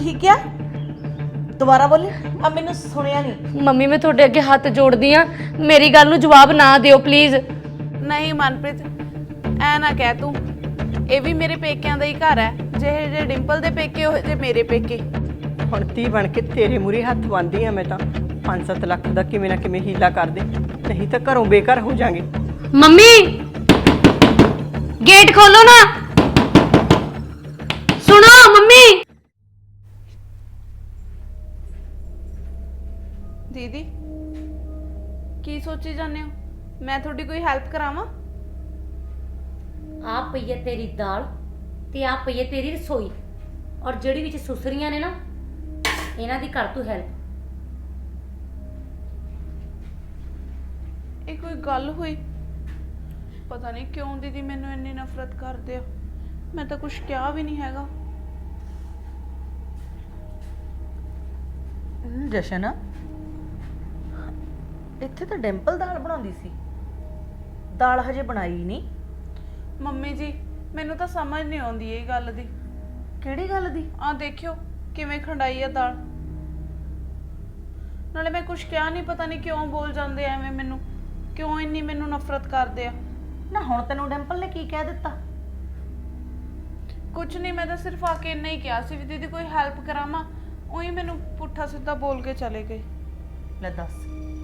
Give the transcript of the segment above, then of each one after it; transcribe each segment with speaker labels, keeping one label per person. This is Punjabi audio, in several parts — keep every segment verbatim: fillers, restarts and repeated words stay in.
Speaker 1: की क्या दोबारा बोली अब मैंने सुनिया नहीं।
Speaker 2: ਮੰਮੀ ਮੈਂ ਤੁਹਾਡੇ ਅੱਗੇ ਹੱਥ ਜੋੜਦੀ ਆ, ਮੇਰੀ ਗੱਲ ਨੂੰ ਜਵਾਬ ਨਾ ਦਿਓ ਪਲੀਜ਼।
Speaker 3: ਨਹੀਂ ਮਨਪ੍ਰੀਤ, ਐ ਨਾ ਕਹਿ ਤੂੰ, ਇਹ ਵੀ ਮੇਰੇ ਪੇਕਿਆਂ ਦਾ ਹੀ ਘਰ ਹੈ। ਜਿਹੇ ਜੇ ਡਿੰਪਲ ਦੇ ਪੇਕੇ ਉਹ ਜੇ ਮੇਰੇ ਪੇਕੇ।
Speaker 4: ਹੁਣ ਤੀ ਬਣ ਕੇ ਤੇਰੇ ਮੂਹਰੇ ਹੱਥ ਬੰਨ੍ਹਦੀ ਆ ਮੈਂ ਤਾਂ। ਪੰਜ ਸੱਤ ਲੱਖ ਦਾ ਕਿਵੇਂ ਨਾ ਕਿਵੇਂ ਹੀਲਾ ਕਰ ਦੇ, ਨਹੀਂ ਤਾਂ ਘਰੋਂ ਬੇਘਰ ਹੋ ਜਾਾਂਗੇ।
Speaker 2: ਮੰਮੀ ਗੇਟ ਖੋਲੋ ਨਾ, ਸੁਣੋ ਮੰਮੀ।
Speaker 3: ਦੀਦੀ ਕੀ ਸੋਚੀ ਜਾਂਦੇ ਹੋ? ਮੈਂ ਤੁਹਾਡੀ ਕੋਈ ਹੈਲਪ ਕਰਾਵਾਂ?
Speaker 5: ਆ ਪਈ ਹੈ ਤੇਰੀ ਦਾਲ ਤੇ ਆ ਪਈ ਹੈ ਤੇਰੀ ਰਸੋਈ, ਔਰ ਜਿਹੜੀ ਵਿੱਚ ਸੁਸਰੀਆਂ ਨੇ ਨਾ ਇਹਨਾਂ ਦੀ ਕਰ ਤੂੰ ਹੈਲਪ।
Speaker 3: ਇਹ ਕੋਈ ਗੱਲ ਹੋਈ? ਪਤਾ ਨਹੀਂ ਕਿਉਂ ਦੀਦੀ ਮੈਨੂੰ ਇੰਨੀ ਨਫ਼ਰਤ ਕਰਦੇ ਆ। ਮੈਂ ਤਾਂ ਕੁਝ ਕਿਹਾ ਵੀ ਨਹੀਂ ਹੈਗਾ।
Speaker 1: ਜਸ਼ਨ ਇੱਥੇ ਤਾਂ ਡਿੰਪਲ ਦਾਲ ਬਣਾਉਂਦੀ ਸੀ, ਦਾਲ ਹਜੇ ਬਣਾਈ ਨਹੀਂ।
Speaker 3: ਮੰਮੀ ਜੀ ਮੈਨੂੰ ਤਾਂ ਸਮਝ ਨਹੀਂ ਆਉਂਦੀ ਇਹ ਗੱਲ ਦੀ।
Speaker 1: ਕਿਹੜੀ ਗੱਲ ਦੀ?
Speaker 3: ਆ ਦੇਖਿਓ ਕਿਵੇਂ ਖੰਡਾਈ ਆ ਦਾਲ। ਨਾਲੇ ਮੈਂ ਕੁਝ ਕਿਹਾ ਨਹੀਂ, ਪਤਾ ਨਹੀਂ ਕਿਉਂ ਬੋਲ ਜਾਂਦੇ ਐਵੇਂ ਮੈਨੂੰ, ਕਿਉਂ ਇੰਨੀ ਮੈਨੂੰ ਨਫ਼ਰਤ ਕਰਦੇ ਆ।
Speaker 1: ਨਾ ਹੁਣ ਤੈਨੂੰ ਡਿੰਪਲ ਨੇ ਕੀ ਕਹਿ ਦਿੱਤਾ?
Speaker 3: ਕੁਝ ਨਹੀਂ, ਮੈਂ ਤਾਂ ਸਿਰਫ ਆ ਕੇ ਇੰਨਾ ਹੀ ਕਿਹਾ ਸੀ ਵੀ ਦੀਦੀ ਕੋਈ ਹੈਲਪ ਕਰਾਵਾਂ, ਉਹੀ ਮੈਨੂੰ ਪੁੱਠਾ ਸਿੱਧਾ ਬੋਲ ਕੇ ਚਲੇ ਗਏ।
Speaker 1: ਲੈ ਦੱਸ,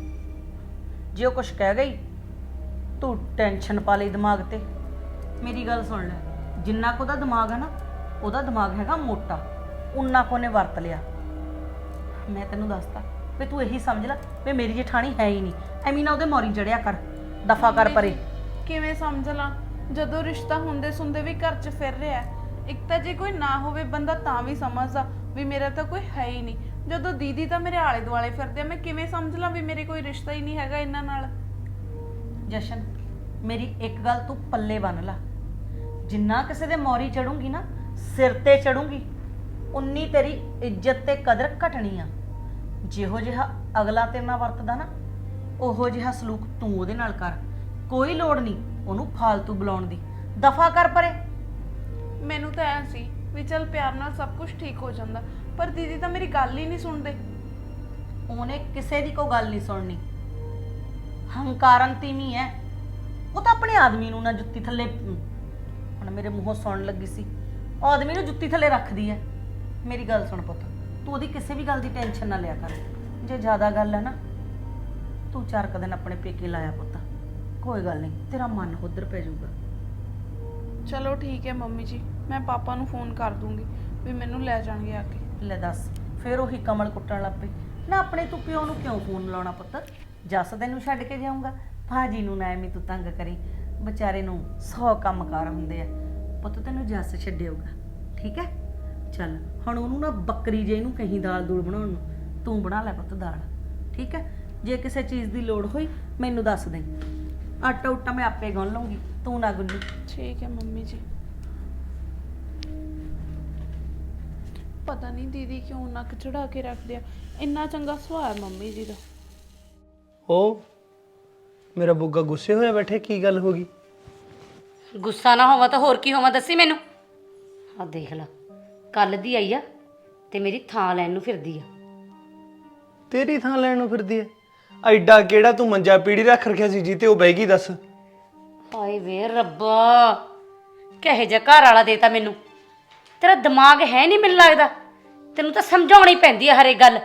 Speaker 1: ਜੇ ਉਹ ਕੁਛ ਕਹਿ ਗਈ ਤੂੰ ਟੈਨਸ਼ਨ ਪਾ ਲਈ ਦਿਮਾਗ ਤੇ। ਮੇਰੀ ਗੱਲ ਸੁਣ ਲੈ, ਜਿੰਨਾ ਕੁ ਉਹਦਾ ਦਿਮਾਗ ਹੈ ਨਾ, ਉਹਦਾ ਦਿਮਾਗ ਹੈਗਾ ਮੋਟਾ, ਉਨਾ ਕੁ ਉਹਨੇ ਵਰਤ ਲਿਆ। ਮੈਂ ਤੈਨੂੰ ਦੱਸਤਾ ਵੀ ਤੂੰ ਇਹੀ ਸਮਝ ਲੈ ਵੀ ਮੇਰੀ ਜਠਾਣੀ ਹੈ ਹੀ ਨਹੀਂ। ਐਵੇਂ ਨਾ ਉਹਦੇ ਮੌਰੀ ਚੜਿਆ ਕਰ, ਦਫਾ ਕਰ ਪਰੇ।
Speaker 3: ਕਿਵੇਂ ਸਮਝ ਲਾਂ ਜਦੋਂ ਰਿਸ਼ਤਾ ਹੁੰਦੇ ਸੁੰਦੇ ਵੀ ਘਰ 'ਚ ਫਿਰ ਰਿਹਾ। ਇੱਕ ਤਾਂ ਜੇ ਕੋਈ ਨਾ ਹੋਵੇ ਬੰਦਾ ਤਾਂ ਵੀ ਸਮਝਦਾ ਵੀ ਮੇਰਾ ਤਾਂ ਕੋਈ ਹੈ ਹੀ ਨਹੀਂ, ਜਦੋਂ ਦੀਦੀ ਤਾਂ ਮੇਰੇ ਆਲੇ ਦੁਆਲੇ ਫਿਰਦੇ ਆ, ਮੈਂ ਕਿਵੇਂ ਸਮਝ ਲਾਂ ਵੀ ਮੇਰੇ ਕੋਈ ਰਿਸ਼ਤਾ ਹੀ ਨਹੀਂ ਹੈਗਾ ਇਹਨਾਂ ਨਾਲ।
Speaker 1: ਜਸ਼ਨ ਮੇਰੀ ਇੱਕ ਗੱਲ ਤੂੰ ਪੱਲੇ ਬੰਨ ਲਾ, ਜਿੰਨਾ ਕਿਸੇ ਦੇ ਮੌਰੀ ਚੜੂਗੀ ਨਾ, ਸਿਰ ਤੇ ਚੜੂਗੀ, ਉਨੀ ਤੇਰੀ ਇੱਜ਼ਤ ਤੇ ਕਦਰ ਘਟਣੀ ਆ। ਜਿਹੋ ਜਿਹਾ ਅਗਲਾ ਤੇਰੇ ਨਾਲ ਵਰਤਦਾ ਨਾ, ਉਹੋ ਜਿਹਾ ਸਲੂਕ ਤੂੰ ਉਹਦੇ ਨਾਲ ਕਰ। ਕੋਈ ਲੋੜ ਨਹੀਂ ਉਹਨੂੰ ਫਾਲਤੂ ਬੁਲਾਉਣ ਦੀ, ਦਫਾ ਕਰ ਪਰੇ।
Speaker 3: ਮੈਨੂੰ ਤਾਂ ਐ ਸੀ ਵੀ ਚੱਲ ਪਿਆਰ ਨਾਲ ਸਭ ਕੁਝ ਠੀਕ ਹੋ ਜਾਂਦਾ, ਪਰ ਦੀਦੀ ਤਾਂ ਮੇਰੀ ਗੱਲ ਹੀ ਨਹੀਂ ਸੁਣਦੇ।
Speaker 1: ਉਹਨੇ ਕਿਸੇ ਦੀ ਕੋਈ ਗੱਲ ਨਹੀਂ ਸੁਣਨੀ, ਹੰਕਾਰਨ ਤੀਵੀਂ ਹੈ ਉਹ ਤਾਂ। ਆਪਣੇ ਆਦਮੀ ਨੂੰ ਨਾ ਜੁੱਤੀ ਥੱਲੇ, ਹੁਣ ਮੇਰੇ ਮੂੰਹੋਂ ਸੁਣਨ ਲੱਗੀ ਸੀ, ਆਦਮੀ ਨੂੰ ਜੁੱਤੀ ਥੱਲੇ ਰੱਖਦੀ ਹੈ। ਮੇਰੀ ਗੱਲ ਸੁਣ ਪੁੱਤ, ਤੂੰ ਉਹਦੀ ਕਿਸੇ ਵੀ ਗੱਲ ਦੀ ਟੈਨਸ਼ਨ ਨਾ ਲਿਆ ਕਰ। ਜੇ ਜ਼ਿਆਦਾ ਗੱਲ ਹੈ ਨਾ, ਤੂੰ ਚਾਰ ਕੁ ਦਿਨ ਆਪਣੇ ਪੇਕੇ ਲਾਇਆ ਪੁੱਤ, ਕੋਈ ਗੱਲ ਨਹੀਂ, ਤੇਰਾ ਮਨ ਉਧਰ ਪੈ ਜਾਊਗਾ।
Speaker 3: ਚਲੋ ਠੀਕ ਹੈ ਮੰਮੀ ਜੀ, ਮੈਂ ਪਾਪਾ ਨੂੰ ਫੋਨ ਕਰ ਦੂੰਗੀ ਵੀ ਮੈਨੂੰ ਲੈ ਜਾਣਗੇ ਆ ਕੇ।
Speaker 1: ਲੈ ਦੱਸ, ਫਿਰ ਉਹੀ ਕਮਲ ਕੁੱਟਣ ਲੱਗ ਪਈ ਨਾ। ਆਪਣੇ ਤੂੰ ਪਿਓ ਨੂੰ ਕਿਉਂ ਫੋਨ ਲਾਉਣਾ ਪੁੱਤ? ਜੱਸ ਤੈਨੂੰ ਛੱਡ ਕੇ ਜਾਊਂਗਾ, ਭਾਜੀ ਨੂੰ ਨਾ ਐਵੇਂ ਤੂੰ ਤੰਗ ਕਰੀ, ਵਿਚਾਰੇ ਨੂੰ ਸੌ ਕੰਮ ਕਾਰ ਹੁੰਦੇ ਆ ਪੁੱਤ। ਤੈਨੂੰ ਜੱਸ ਛੱਡਿਆਊਗਾ, ਠੀਕ ਹੈ? ਚੱਲ ਹੁਣ ਉਹਨੂੰ ਨਾ ਬੱਕਰੀ ਜੇ ਇਹਨੂੰ ਕਹੀਂ ਦਾਲ ਦੂਲ ਬਣਾਉਣ ਨੂੰ, ਤੂੰ ਬਣਾ ਲੈ ਪੁੱਤ ਦਾਲ, ਠੀਕ ਹੈ? ਜੇ ਕਿਸੇ ਚੀਜ਼ ਦੀ ਲੋੜ ਹੋਈ ਮੈਨੂੰ ਦੱਸ ਦੇ, ਆਟਾ ਉਟਾ ਮੈਂ ਆਪੇ ਗੁੰਨ ਲਊਂਗੀ, ਤੂੰ ਨਾ ਗੁੰਨੀ।
Speaker 3: ਠੀਕ ਹੈ ਮੰਮੀ ਜੀ। ਪਤਾ ਨਹੀਂ ਦੀਦੀ ਕਿਉਂ ਨੱਕ ਚੜਾ ਕੇ ਰੱਖਦੇ ਆ, ਇੰਨਾ ਚੰਗਾ ਸੁਭਾਅ ਹੈ ਮੰਮੀ ਜੀ ਦਾ।
Speaker 6: ਉਹ ਮੇਰਾ ਬੁੱਗਾ ਗੁੱਸੇ ਹੋਇਆ ਬੈਠੇ, ਕੀ ਗੱਲ ਹੋ ਗਈ?
Speaker 5: ਗੁੱਸਾ ਨਾ ਹੋਵਾ ਤਾਂ ਹੋਰ ਕੀ ਹੋਵਾ, ਦੱਸੀ ਮੈਨੂੰ। ਆ ਦੇਖ ਲੈ, ਕੱਲ ਦੀ ਆਈ ਆ ਤੇ ਮੇਰੀ ਥਾਂ ਲੈਣ ਨੂੰ ਫਿਰਦੀ ਆ।
Speaker 6: ਤੇਰੀ ਥਾਂ ਲੈਣ ਨੂੰ ਫਿਰਦੀ ਐ? ਐਡਾ ਕਿਹੜਾ ਤੂੰ ਮੰਜਾ ਪੀੜੀ ਰੱਖ ਰੱਖਿਆ ਸੀ ਜੀ ਤੇ ਉਹ ਬਹਿ ਗਈ? ਦੱਸ।
Speaker 5: ਹਾਏ ਵੇ ਰੱਬਾ, ਕਹੇ ਜਿਹਾ ਘਰ ਵਾਲਾ ਦੇਤਾ ਮੈਨੂੰ। ਤੇਰਾ ਦਿਮਾਗ ਹੈ ਨਹੀਂ ਮੈਨੂੰ ਲੱਗਦਾ, ਤੈਨੂੰ ਤਾਂ ਸਮਝਾਉਣੀ ਪੈਂਦੀ ਆ ਹਰੇ ਗੱਲ।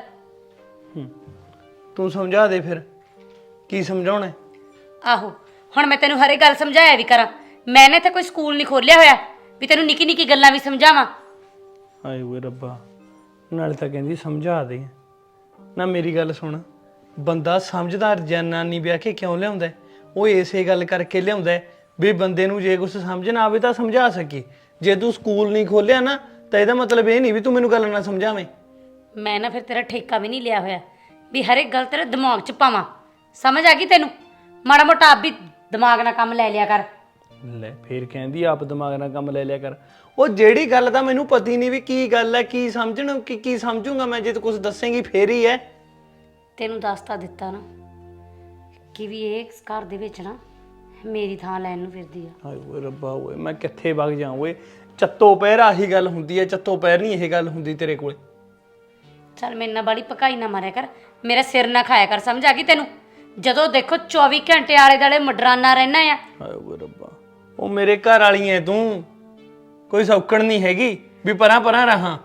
Speaker 6: ਤੂੰ ਸਮਝਾ ਦੇ ਫਿਰ, ਕੀ ਸਮਝਾਉਣਾ?
Speaker 5: ਆਹੋ, ਹੁਣ ਮੈਂ ਤੈਨੂੰ ਹਰੇ ਗੱਲ ਸਮਝਾਇਆ ਵੀ ਕਰਾਂ। ਮੈਂ ਨੇ ਇੱਥੇ ਕੋਈ ਸਕੂਲ ਨਹੀਂ ਖੋਲਿਆ ਹੋਇਆ ਵੀ ਤੈਨੂੰ ਨਿੱਕੀ ਨਿੱਕੀ ਗੱਲਾਂ ਵੀ ਸਮਝਾਵਾਂ।
Speaker 6: ਹਾਏ ਓਏ ਰੱਬਾ, ਨਾਲੇ ਤਾਂ ਕਹਿੰਦੀ ਸਮਝਾ ਦੇ। ਨਾ ਮੇਰੀ ਗੱਲ ਸੁਣ, ਬੰਦਾ ਸਮਝਦਾਰ ਜਨਾਨੀ ਵਿਆਹ ਕੇ ਕਿਉਂ ਲਿਆਉਂਦਾ? ਉਹ ਇਸੇ ਗੱਲ ਕਰਕੇ ਲਿਆਉਂਦਾ ਵੀ ਬੰਦੇ ਨੂੰ ਜੇ ਕੁਝ ਸਮਝ ਨਾ ਆਵੇ ਤਾਂ ਸਮਝਾ ਸਕੇ। ਜੇ ਤੂੰ ਸਕੂਲ ਨਹੀਂ ਖੋਲਿਆ ਨਾ, ਤਾਂ ਇਹਦਾ ਮਤਲਬ ਇਹ ਨਹੀਂ ਵੀ ਤੂੰ ਮੈਨੂੰ ਗੱਲ ਨਾ ਸਮਝਾਵੇਂ।
Speaker 5: ਮੈਂ ਨਾ ਫਿਰ ਤੇਰਾ ਠੇਕਾ ਵੀ ਨਹੀਂ ਲਿਆ ਹੋਇਆ ਵੀ ਹਰ ਇੱਕ ਗੱਲ ਤੇਰੇ ਦਿਮਾਗ 'ਚ ਪਾਵਾਂ। ਸਮਝ ਆ ਗਈ ਤੈਨੂੰ? ਮਾੜਾ ਮੋਟਾ ਆਪ ਵੀ ਦਿਮਾਗ ਨਾਲ ਕੰਮ ਲੈ ਲਿਆ ਕਰ।
Speaker 6: ਲੈ ਫੇਰ ਕਹਿੰਦੀ ਆਪ ਦਿਮਾਗ ਨਾਲ ਕੰਮ ਲੈ ਲਿਆ ਕਰ। ਉਹ ਜਿਹੜੀ ਗੱਲ ਤਾਂ ਮੈਨੂੰ ਪਤੀ ਨਹੀਂ ਵੀ ਕੀ ਗੱਲ ਹੈ, ਕੀ ਸਮਝਣ, ਕੀ ਕੀ ਸਮਝੂੰਗਾ ਮੈਂ? ਜੇ ਤੂੰ ਕੁਝ ਦੱਸੇਂਗੀ ਫੇਰ ਹੀ ਹੈ।
Speaker 5: ਤੈਨੂੰ ਦੱਸ ਤਾਂ ਦਿੱਤਾ ਨਾ ਕਿ ਵੀ ਇਹ ਘਰ ਦੇ ਵਿੱਚ ਨਾ ਮੇਰੀ ਥਾਂ ਲੈਣ ਨੂੰ ਫਿਰਦੀ ਆ।
Speaker 6: ਹਾਏ ਓਏ ਰੱਬਾ ਓਏ, ਮੈਂ ਕਿੱਥੇ ਵਗ ਜਾ ਓਏ? ਚੱਤੋ ਪੈਰ ਆਹੀ ਗੱਲ ਹੁੰਦੀ ਹੈ, ਚੱਤੋ ਪੈਰ ਨਹੀਂ ਇਹ ਗੱਲ ਹੁੰਦੀ ਤੇਰੇ ਕੋਲੇ।
Speaker 5: ਚੱਲ ਮੇਰੇ ਨਾਲ ਬਾਲੀ ਪਕਾਈ ਨਾ ਮਾਰਿਆ ਕਰ, ਮੇਰਾ ਸਿਰ ਨਾ ਖਾਇਆ ਕਰ, ਸਮਝ ਆ ਗਈ ਤੈਨੂੰ? ਜਦੋਂ ਦੇਖੋ ਚੌਵੀ ਘੰਟੇ ਆਲੇ ਦਾਲੇ ਮਡਰਾਨਾ ਰਹਿਣਾ ਆ।
Speaker 6: ਹਾਏ ਓਏ ਰੱਬਾ, ਉਹ ਮੇਰੇ ਘਰ ਵਾਲੀ ਐ ਤੂੰ, ਕੋਈ ਸੌਕਣ ਨਹੀਂ ਹੈਗੀ ਵੀ ਪਰਾਂ ਪਰਾਂ ਰਹਾ।